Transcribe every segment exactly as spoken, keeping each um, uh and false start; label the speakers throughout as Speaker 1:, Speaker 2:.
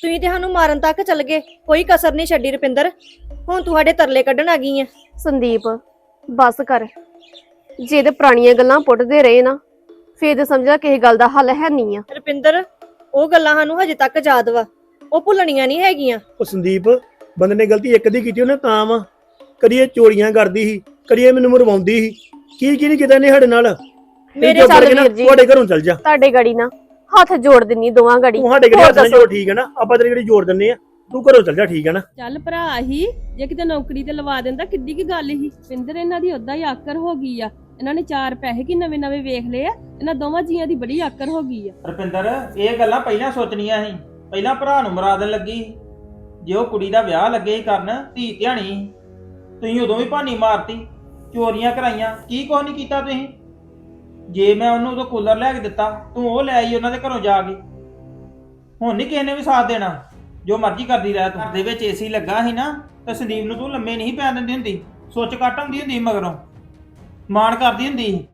Speaker 1: ਤੁਸੀਂ ਤੇ ਸਾਨੂੰ ਮਾਰਨ ਤੱਕ ਚੱਲ ਗਏ, ਕੋਈ ਕਸਰ ਨਹੀਂ ਛੱਡੀ ਰੁਪਿੰਦਰ। ਹੁਣ ਤੁਹਾਡੇ ਤਰਲੇ ਕੱਢਣ ਆ ਗਈ ਆ।
Speaker 2: ਸੰਦੀਪ ਬਸ ਕਰ। ਜੇ ਤੇ ਪੁਰਾਣੀਆਂ ਗੱਲਾਂ ਪੁੱਟਦੇ ਰਹੇ ਨਾ ਫੇਰ ਤੇ ਸਮਝਾ ਕਿਸੇ ਗੱਲ ਦਾ ਹੱਲ ਹੈ ਨਹੀਂ ਆ।
Speaker 1: ਰੁਪਿੰਦਰ ਉਹ ਗੱਲਾਂ ਸਾਨੂੰ ਹਜੇ ਤੱਕ ਯਾਦ ਵਾ, ਉਹ ਭੁੱਲਣੀਆਂ ਨਹੀਂ ਹੈਗੀਆਂ।
Speaker 3: ਉਹ ਸੰਦੀਪ ਬੰਦੇ ਨੇ ਗਲਤੀ ਇੱਕ ਦੀ ਕੀਤੀ ਉਹਨੇ ਤਾਂ ਵਾ। ਕਦੀ ਇਹ ਚੋਰੀਆਂ ਕਰਦੀ ਸੀ, ਕਦੀ ਇਹ ਮੈਨੂੰ ਮਰਵਾਉਂਦੀ ਸੀ, ਕੀ ਕੀ ਨਹੀਂ ਕੀਤਾ ਨੇ ਸਾਡੇ ਨਾਲ।
Speaker 1: ਮੇਰੇ
Speaker 2: ਚੱਲ ਵੀਰ ਜੀ
Speaker 3: ਤੁਹਾਡੇ ਘਰੋਂ ਚੱਲ ਜਾ।
Speaker 2: ਤੁਹਾਡੇ ਗੜੀ ਨਾ ਹੱਥ ਜੋੜ ਦਿੰਨੀ ਦੋਵਾਂ ਗੜੀ।
Speaker 3: ਤੂੰ ਸਾਡੇ ਘਰੇ ਹੱਥ ਨਾਲ ਜੋੜ, ਠੀਕ ਹੈ ਨਾ। ਆਪਾਂ ਤੇਰੀ ਗੜੀ ਜੋੜ ਦਿੰਨੇ ਆ, ਤੂੰ ਘਰੋਂ ਚੱਲ ਜਾ, ਠੀਕ ਹੈ ਨਾ।
Speaker 4: ਚੱਲ ਭਰਾ ਹੀ ਜੇ ਕਿਤੇ ਨੌਕਰੀ ਤੇ ਲਵਾ ਦਿੰਦਾ ਕਿੱਡੀ ਕੀ ਗੱਲ ਸੀ। ਪਿੰਦਰ ਇਹਨਾਂ ਦੀ ਉਦਾਂ ਹੀ ਆਕਰ ਹੋ ਗਈ ਆ। ਇਹਨਾਂ ਨੇ ਚਾਰ ਪੈਸੇ ਕੀ ਨਵੇਂ ਨਵੇਂ ਵੇਖ ਲਏ ਆ। ਇਹਨਾਂ ਦੋਵਾਂ ਜੀਆਂ ਦੀ ਬੜੀ ਆਕਰ ਹੋ ਗਈ ਆ।
Speaker 5: ਰੁਪਿੰਦਰ ਇਹ ਗੱਲਾਂ ਪਹਿਲਾਂ ਸੋਚਣੀਆਂ ਸੀ। ਪਹਿਲਾਂ ਭਰਾ ਨੂੰ ਮਰਾ ਦੇਣ ਲੱਗੀ ਸੀ। ਜੇ ਉਹ ਕੁੜੀ ਦਾ ਵਿਆਹ ਲੱਗੇ ਸੀ ਕਰਨ, ਧੀ ਧਿਆਣੀ ਸੀ, ਤੁਸੀਂ ਉਦੋਂ ਵੀ ਭਾਨੀ ਮਾਰਤੀ, ਚੋਰੀਆਂ ਕਰਾਈਆਂ, ਕੀ ਕੁਛ ਨਹੀਂ ਕੀਤਾ ਤੁਸੀਂ। ਜੇ ਮੈਂ ਉਹਨੂੰ ਉਦੋਂ ਕੂਲਰ ਲੈ ਕੇ ਦਿੱਤਾ, ਤੂੰ ਉਹ ਲੈ ਆਈ ਉਹਨਾਂ ਦੇ ਘਰੋਂ ਜਾ ਕੇ। ਹੁਣ ਨਹੀਂ ਕਿਸੇ ਨੇ ਵੀ ਸਾਥ ਦੇਣਾ, ਜੋ ਮਰਜ਼ੀ ਕਰਦੀ ਰਹਿ ਤੂੰ। ਘਰ ਦੇ ਵਿੱਚ ਏਸੀ ਲੱਗਾ ਸੀ ਨਾ ਤਾਂ ਸੰਦੀਪ ਨੂੰ ਤੂੰ ਲੰਮੇ ਨਹੀਂ ਪੈਣ ਦਿੰਦੀ ਹੁੰਦੀ, ਸੁੱਚ ਕੱਟ ਹੁੰਦੀ ਹੁੰਦੀ ਮਗਰੋਂ, ਮਾਣ ਕਰਦੀ ਹੁੰਦੀ ਸੀ।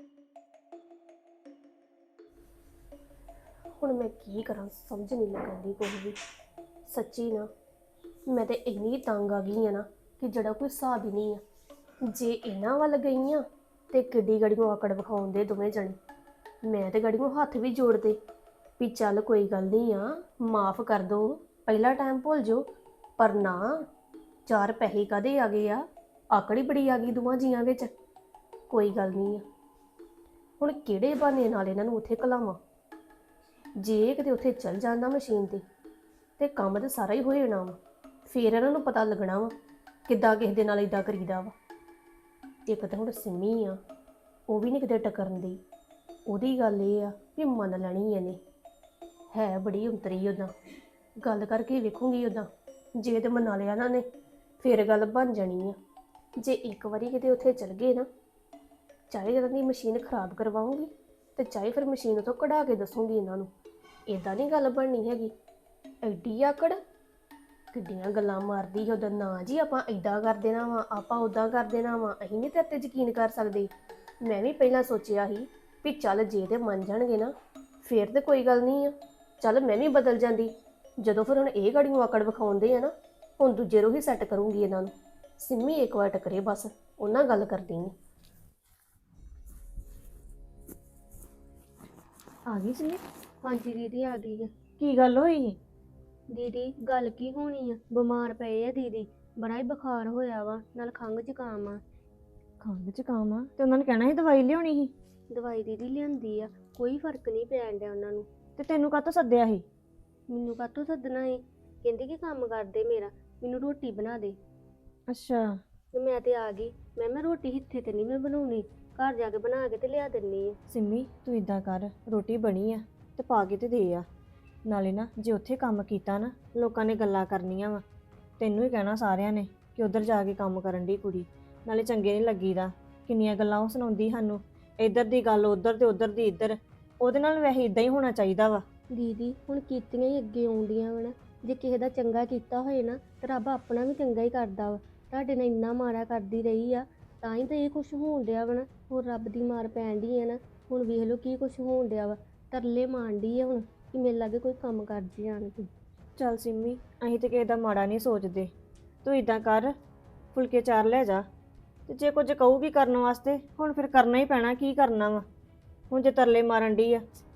Speaker 2: ਹੁਣ ਮੈਂ ਕੀ ਕਰਾਂ ਸਮਝ ਨਹੀਂ ਲੱਗਦੀ ਕੋਈ ਵੀ। ਸੱਚੀ ਨਾ ਮੈਂ ਤੇ ਇੰਨੀ ਤੰਗ ਆ ਗਈ ਆ ਨਾ ਕਿ ਜਿਹੜਾ ਕੋਈ ਹਿਸਾਬ ਹੀ ਨਹੀਂ ਆ। ਜੇ ਇਹਨਾਂ ਵੱਲ ਗਈ ਆ ਤੇ ਕਿੱਡੀ ਗੜੀ ਨੂੰ ਆਕੜ ਵਿਖਾਉਂਦੇ ਦੋਵੇਂ ਜਣੇ। ਮੈਂ ਤੇ ਗੜੀ ਨੂੰ ਹੱਥ ਵੀ ਜੋੜਦੇ ਵੀ ਚੱਲ ਕੋਈ ਗੱਲ ਨਹੀਂ ਆ, ਮਾਫ ਕਰ ਦੋ, ਪਹਿਲਾ ਟਾਈਮ ਭੁੱਲ ਜਾਓ। ਪਰ ਨਾ, ਚਾਰ ਪੈਸੇ ਕਦੇ ਆ ਗਏ ਆ, ਆਕੜੀ ਬੜੀ ਆ ਗਈ ਦੋਵਾਂ ਜੀਆਂ ਵਿੱਚ। ਕੋਈ ਗੱਲ ਨਹੀਂ ਆ, ਹੁਣ ਕਿਹੜੇ ਬਹਾਨੇ ਨਾਲ ਇਹਨਾਂ ਨੂੰ ਉੱਥੇ ਘਲਾਵਾਂ। ਜੇ ਕਿਤੇ ਉੱਥੇ ਚੱਲ ਜਾਂਦਾ ਮਸ਼ੀਨ ਤੇ ਤੇ ਕੰਮ ਤਾਂ ਸਾਰਾ ਹੀ ਹੋ ਜਾਣਾ ਵਾ। ਫੇਰ ਇਹਨਾਂ ਨੂੰ ਪਤਾ ਲੱਗਣਾ ਵਾ ਕਿੱਦਾਂ ਕਿਸੇ ਦੇ ਨਾਲ ਇਦਾਂ ਕਰੀਦਾ ਵਾ। ਇੱਕ ਤਾਂ ਹੁਣ ਸਿੰਮੀ ਆ, ਉਹ ਵੀ ਨਹੀਂ ਕਿਤੇ ਟਕਰਨ ਦੀ। ਉਹਦੀ ਗੱਲ ਇਹ ਆ ਵੀ ਮੰਨ ਲੈਣੀ ਇਹਨੇ, ਹੈ ਬੜੀ ਉਤਰੀ। ਉੱਦਾਂ ਗੱਲ ਕਰਕੇ ਵੇਖੂੰਗੀ, ਉੱਦਾਂ ਜੇ ਤੇ ਮਨਾ ਲਿਆ ਇਹਨਾਂ ਨੇ ਫੇਰ ਗੱਲ ਬਣ ਜਾਣੀ ਆ। ਜੇ ਇੱਕ ਵਾਰੀ ਕਿਤੇ ਉੱਥੇ ਚਲ ਗਏ ਨਾ, ਚਾਹੇ ਜਦੋਂ ਦੀ ਮਸ਼ੀਨ ਖਰਾਬ ਕਰਵਾਉਂਗੀ ਤੇ ਚਾਹੇ ਫਿਰ ਮਸ਼ੀਨ ਉਥੋਂ ਕਢਾ ਕੇ ਦੱਸੂਗੀ ਇਹਨਾਂ ਨੂੰ। ਇਦਾਂ ਨਹੀਂ ਗੱਲ ਬਣਨੀ ਹੈਗੀ। ਐਡੀ ਆਕੜ, ਕਿੱਡੀਆਂ ਗੱਲਾਂ ਮਾਰਦੀ ਉਹਦਾ। ਨਾ ਜੀ ਆਪਾਂ ਇਦਾਂ ਕਰ ਦੇਣਾ ਵਾ, ਆਪਾਂ ਉਦਾਂ ਕਰ ਦੇਣਾ ਵਾ, ਅਸੀਂ ਨਹੀਂ ਤੇਰੇ ਤੇ ਯਕੀਨ ਕਰ ਸਕਦੇ। ਮੈਂ ਵੀ ਪਹਿਲਾਂ ਸੋਚਿਆ ਸੀ ਵੀ ਚੱਲ ਜੇ ਤੇ ਮੰਨ ਜਾਣਗੇ ਨਾ ਫੇਰ ਤੇ ਕੋਈ ਗੱਲ ਨਹੀਂ ਆ, ਚੱਲ ਮੈਂ ਵੀ ਬਦਲ ਜਾਂਦੀ। ਜਦੋਂ ਫਿਰ ਹੁਣ ਇਹ ਗਾੜੀ ਨੂੰ ਆਕੜ ਵਿਖਾਉਂਦੇ ਆ ਨਾ, ਹੁਣ ਦੂਜੇ ਰੋਹ ਹੀ ਸੈੱਟ ਕਰੂੰਗੀ ਇਹਨਾਂ ਨੂੰ। ਸਿੰਮੀ ਇੱਕ ਵਾਰ ਟਕਰੇ ਬਸ, ਉਹਨਾਂ ਗੱਲ ਕਰਦੀ ਨਹੀਂ।
Speaker 1: ਆ ਗਈ ਸੀ।
Speaker 6: ਹਾਂਜੀ ਦੀਦੀ ਆ ਗਈ ਆ।
Speaker 1: ਕੀ ਗੱਲ ਹੋਈ?
Speaker 6: ਦੀਦੀ ਗੱਲ ਕੀ ਹੋਣੀ ਆ, ਬਿਮਾਰ ਪਏ ਆ ਦੀਦੀ, ਬੜਾ ਹੀ ਬੁਖਾਰ ਹੋਇਆ ਵਾ, ਨਾਲ ਖੰਘ ਜ਼ੁਕਾਮ ਆ।
Speaker 1: ਖੰਘ ਜ਼ੁਕਾਮ ਆ ਤੇ ਉਹਨਾਂ ਨੇ ਕਹਿਣਾ ਸੀ ਦਵਾਈ ਲਿਆਉਣੀ ਸੀ।
Speaker 6: ਦਵਾਈ ਦੀਦੀ ਲਿਆਂਦੀ ਆ, ਕੋਈ ਫਰਕ ਨਹੀਂ ਪੈਣ ਡਿਆ ਉਹਨਾਂ ਨੂੰ।
Speaker 1: ਤੇ ਤੈਨੂੰ ਕਾਹਤੋਂ ਸੱਦਿਆ ਸੀ?
Speaker 6: ਮੈਨੂੰ ਕਾਹਤੋਂ ਸੱਦਣਾ ਏ, ਕਹਿੰਦੇ ਕਿ ਕੰਮ ਕਰਦੇ ਮੇਰਾ, ਮੈਨੂੰ ਰੋਟੀ ਬਣਾ ਦੇ।
Speaker 1: ਅੱਛਾ।
Speaker 6: ਤੇ ਮੈਂ ਤੇ ਆ ਗਈ। ਮੈਂ ਮੈਂ ਰੋਟੀ ਇੱਥੇ ਤੇ ਨਹੀਂ ਮੈਂ ਬਣਾਉਣੀ, ਘਰ ਜਾ ਕੇ ਬਣਾ ਕੇ ਤੇ ਲਿਆ ਦਿੰਨੀ ਆ।
Speaker 1: ਸਿੰਮੀ ਤੂੰ ਇਦਾਂ ਕਰ, ਰੋਟੀ ਬਣੀ ਆ ਤੇ ਪਾ ਕੇ ਤੇ ਦੇ ਆ। ਨਾਲੇ ਨਾ ਜੇ ਉੱਥੇ ਕੰਮ ਕੀਤਾ ਨਾ, ਲੋਕਾਂ ਨੇ ਗੱਲਾਂ ਕਰਨੀਆਂ ਵਾ, ਤੈਨੂੰ ਹੀ ਕਹਿਣਾ ਸਾਰਿਆਂ ਨੇ ਕਿ ਉਧਰ ਜਾ ਕੇ ਕੰਮ ਕਰਨ ਦੀ ਕੁੜੀ। ਨਾਲੇ ਚੰਗੇ ਨਹੀਂ ਲੱਗੀਦਾ, ਕਿੰਨੀਆਂ ਗੱਲਾਂ ਉਹ ਸੁਣਾਉਂਦੀ ਸਾਨੂੰ, ਇੱਧਰ ਦੀ ਗੱਲ ਉੱਧਰ ਤੇ ਉੱਧਰ ਦੀ ਇੱਧਰ। ਉਹਦੇ ਨਾਲ ਵੈਸੇ ਇਦਾਂ ਹੀ ਹੋਣਾ ਚਾਹੀਦਾ ਵਾ।
Speaker 6: ਦੀਦੀ ਹੁਣ ਕੀਤੀਆਂ ਹੀ ਅੱਗੇ ਆਉਂਦੀਆਂ ਵਾ ਨਾ, ਜੇ ਕਿਸੇ ਦਾ ਚੰਗਾ ਕੀਤਾ ਹੋਏ ਨਾ ਤਾਂ ਰੱਬ ਆਪਣਾ ਵੀ ਚੰਗਾ ਹੀ ਕਰਦਾ ਵਾ। ਤੁਹਾਡੇ ਨਾਲ ਇੰਨਾ ਮਾੜਾ ਕਰਦੀ ਰਹੀ ਆ ਤਾਂ ਹੀ ਤਾਂ ਇਹ ਕੁਛ ਹੋਣ ਡਿਆ ਵਾ ਨਾ। ਹੁਣ ਰੱਬ ਦੀ ਮਾਰ ਪੈਣ ਡਈ ਆ ਨਾ, ਹੁਣ ਵੇਖ ਲਓ ਕੀ ਕੁਛ ਹੋਣ ਡਿਆ ਵਾ। ਤਰਲੇ ਮਾਰਨ ਡਈ ਆ ਹੁਣ ਕਿ ਮੇਰੇ ਲਾਗੇ ਕੋਈ ਕੰਮ ਕਰ ਜੇ ਆਣ ਕੇ।
Speaker 1: ਚੱਲ ਸਿੰਮੀ, ਅਸੀਂ ਤੇ ਕਿਸੇ ਦਾ ਮਾੜਾ ਨਹੀਂ ਸੋਚਦੇ। ਤੂੰ ਇਦਾਂ ਕਰ, ਫੁਲਕੇ ਚਾਰ ਲੈ ਜਾ, ਤੇ ਜੇ ਕੁਝ ਕਹੂਗੀ ਕਰਨ ਵਾਸਤੇ ਹੁਣ ਫਿਰ ਕਰਨਾ ਹੀ ਪੈਣਾ। ਕੀ ਕਰਨਾ ਵਾ ਹੁਣ ਜੇ ਤਰਲੇ ਮਾਰਨ ਡਈ ਆ?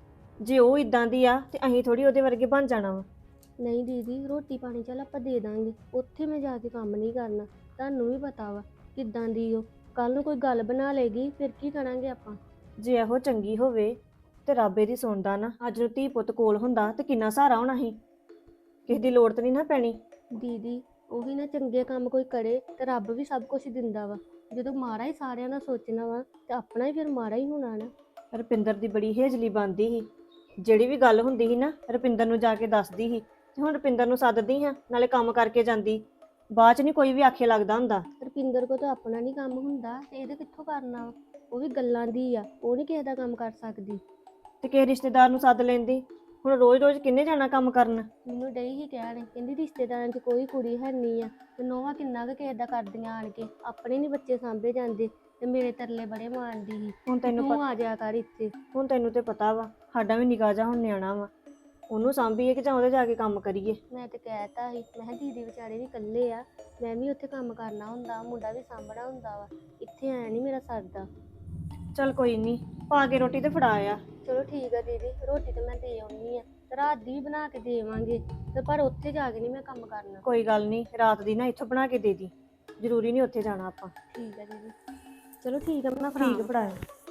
Speaker 1: ਜੇ ਉਹ ਇਦਾਂ ਦੀ ਆ ਤੇ ਅਸੀਂ ਥੋੜੀ ਉਹਦੇ ਵਰਗੇ ਬਣ ਜਾਣਾ ਵਾ।
Speaker 6: ਨਹੀਂ ਦੀਦੀ ਰੋਟੀ ਪਾਣੀ ਚੱਲ ਆਪਾਂ ਦੇ ਦਾਂਗੇ, ਉੱਥੇ ਮੈਂ ਜਾ ਕੇ ਕੰਮ ਨਹੀਂ ਕਰਨਾ। ਤੁਹਾਨੂੰ ਵੀ ਪਤਾ ਵਾ ਕਿੱਦਾਂ ਦੀ ਉਹ, ਕੱਲ ਨੂੰ ਕੋਈ ਗੱਲ ਬਣਾ ਲੇਗੀ ਫਿਰ ਕੀ ਕਰਾਂਗੇ ਆਪਾਂ।
Speaker 1: ਜੇ ਇਹੋ ਚੰਗੀ ਹੋਵੇ ਤੇ ਰੱਬ ਇਹਦੀ ਸੁਣਦਾ ਨਾ। ਅੱਜ ਨੂੰ ਧੀ ਪੁੱਤ ਕੋਲ ਹੁੰਦਾ ਤੇ ਕਿੰਨਾ ਸਹਾਰਾ ਹੋਣਾ ਸੀ, ਕਿਸੇ ਦੀ ਲੋੜ ਤਾਂ ਨਹੀਂ ਨਾ ਪੈਣੀ।
Speaker 6: ਦੀਦੀ ਉਹੀ ਨਾ, ਚੰਗੇ ਕੰਮ ਕੋਈ ਕਰੇ ਤੇ ਰੱਬ ਵੀ ਸਭ ਕੁਝ ਦਿੰਦਾ ਵਾ। ਜਦੋਂ ਮਾੜਾ ਹੀ ਸਾਰਿਆਂ ਦਾ ਸੋਚਣਾ ਵਾ ਤੇ ਆਪਣਾ ਹੀ ਫਿਰ ਮਾੜਾ ਹੀ ਹੋਣਾ ਨਾ।
Speaker 1: ਰੁਪਿੰਦਰ ਦੀ ਬੜੀ ਹੇਜਲੀ ਬਣਦੀ ਸੀ, ਜਿਹੜੀ ਵੀ ਗੱਲ ਹੁੰਦੀ ਸੀ ਨਾ ਰੁਪਿੰਦਰ ਨੂੰ ਜਾ ਕੇ ਦੱਸਦੀ ਸੀ। ਤੇ ਹੁਣ ਰੁਪਿੰਦਰ ਨੂੰ ਸੱਦਦੀ ਹਾਂ, ਨਾਲੇ ਕੰਮ ਕਰਕੇ ਜਾਂਦੀ, ਬਾਅਦ ਚ ਨਹੀਂ ਕੋਈ ਵੀ ਆਖੇ ਲੱਗਦਾ ਹੁੰਦਾ।
Speaker 6: ਰੁਪਿੰਦਰ ਕੋ ਤਾਂ ਆਪਣਾ ਨਹੀਂ ਕੰਮ ਹੁੰਦਾ ਤੇ ਇਹਦੇ ਕਿੱਥੋਂ ਕਰਨਾ ਵਾ? ਉਹ ਵੀ ਗੱਲਾਂ ਦੀ ਆ, ਉਹ ਨਹੀਂ ਕਿਸੇ ਦਾ ਕੰਮ ਕਰ ਸਕਦੀ।
Speaker 1: ਤੇ ਕਿਸੇ ਰਿਸ਼ਤੇਦਾਰ ਨੂੰ ਸੱਦ ਲੈਂਦੀ। ਹੁਣ ਰੋਜ਼ ਰੋਜ਼ ਕਿੰਨੇ ਜਾਣਾ ਕੰਮ ਕਰਨ?
Speaker 6: ਮੈਨੂੰ ਡਈ ਹੀ ਕਹਿਣ, ਕਹਿੰਦੀ ਰਿਸ਼ਤੇਦਾਰਾਂ 'ਚ ਕੋਈ ਕੁੜੀ ਹੈ ਨਹੀਂ ਆ ਤੇ ਨੋਹਾਂ ਕਿੰਨਾ ਕੁ ਕਿਸੇ ਦਾ ਕਰਦੀਆਂ ਆਣ ਕੇ, ਆਪਣੇ ਨਹੀਂ ਬੱਚੇ ਸਾਂਭੇ ਜਾਂਦੇ ਤੇ ਮੇਰੇ ਤਰਲੇ ਬੜੇ ਮਾਰਦੀ ਸੀ।
Speaker 1: ਹੁਣ ਤੈਨੂੰ
Speaker 6: ਤੂੰ ਆ ਜਾ ਕਰ ਇੱਥੇ।
Speaker 1: ਹੁਣ ਤੈਨੂੰ ਤੇ ਪਤਾ ਵਾ ਸਾਡਾ ਵੀ ਨਿਗਾਹ ਜਾ ਹੁਣ ਨਿਆਣਾ ਵਾ, ਉਹਨੂੰ ਸਾਂਭੀਏ ਕਿ ਜਾਂ ਉਹਦੇ ਜਾ ਕੇ ਕੰਮ ਕਰੀਏ।
Speaker 6: ਮੈਂ ਤੇ ਕਹਿਤਾ ਸੀ, ਮੈਂ ਕਿਹਾ ਦੀਦੀ ਵਿਚਾਰੇ ਵੀ ਇਕੱਲੇ ਆ, ਮੈਂ ਵੀ ਉੱਥੇ ਕੰਮ ਕਰਨਾ ਹੁੰਦਾ, ਮੁੰਡਾ ਵੀ ਸਾਂਭਣਾ ਹੁੰਦਾ ਵਾ, ਇੱਥੇ ਆਇਆ ਨਹੀਂ ਮੇਰਾ ਸਰਦਾ।
Speaker 1: ਚੱਲ ਕੋਈ ਨਹੀਂ, ਪਾ ਕੇ ਰੋਟੀ ਤੇ ਫੜਾ ਆ।
Speaker 6: ਚਲੋ ਠੀਕ ਆ ਦੀਦੀ, ਰੋਟੀ ਤਾਂ ਮੈਂ ਦੇ ਆਉਣੀ ਆ, ਤੇ ਰਾਤ ਦੀ ਵੀ ਬਣਾ ਕੇ ਦੇਵਾਂਗੇ, ਤੇ ਪਰ ਉੱਥੇ ਜਾ ਕੇ ਨਹੀਂ ਮੈਂ ਕੰਮ ਕਰਨਾ।
Speaker 1: ਕੋਈ ਗੱਲ ਨਹੀਂ, ਰਾਤ ਦੀ ਨਾ ਇੱਥੋਂ ਬਣਾ ਕੇ ਦੇ ਦੀ, ਜ਼ਰੂਰੀ ਨਹੀਂ ਉੱਥੇ ਜਾਣਾ ਆਪਾਂ।
Speaker 6: ਠੀਕ ਆ ਦੀਦੀ, ਚਲੋ ਠੀਕ ਆ, ਮੈਂ
Speaker 1: ਠੀਕ ਫੜਾਇਆ।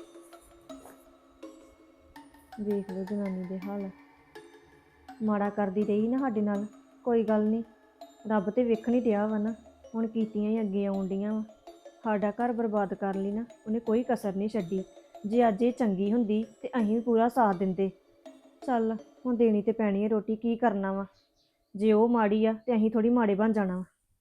Speaker 1: ਵੇਖ ਲਓ ਜਨਾਨੀ ਦੇ ਹਾਲ, ਮਾੜਾ ਕਰਦੀ ਰਹੀ ਨਾ ਸਾਡੇ ਨਾਲ, ਕੋਈ ਗੱਲ ਨਹੀਂ, ਰੱਬ ਤੇ ਵੇਖਣ ਹੀ ਡਿਆ ਵਾ ਨਾ, ਹੁਣ ਕੀਤੀਆਂ ਹੀ ਅੱਗੇ ਆਉਣ ਡੀਆਂ ਵਾ। ਸਾਡਾ ਘਰ ਬਰਬਾਦ ਕਰ ਲਈ ਨਾ ਉਹਨੇ, ਕੋਈ ਕਸਰ ਨਹੀਂ ਛੱਡੀ। ਜੇ ਅੱਜ ਇਹ ਚੰਗੀ ਹੁੰਦੀ ਤੇ ਅਸੀਂ ਵੀ ਪੂਰਾ ਸਾਥ ਦਿੰਦੇ। ਚੱਲ ਹੁਣ ਦੇਣੀ ਤੇ ਪੈਣੀ ਹੈ ਰੋਟੀ, ਕੀ ਕਰਨਾ ਵਾ। ਜੇ ਉਹ ਮਾੜੀ ਆ ਤੇ ਅਸੀਂ ਥੋੜੀ ਮਾੜੇ ਬਣ ਜਾਣਾ ਵਾ।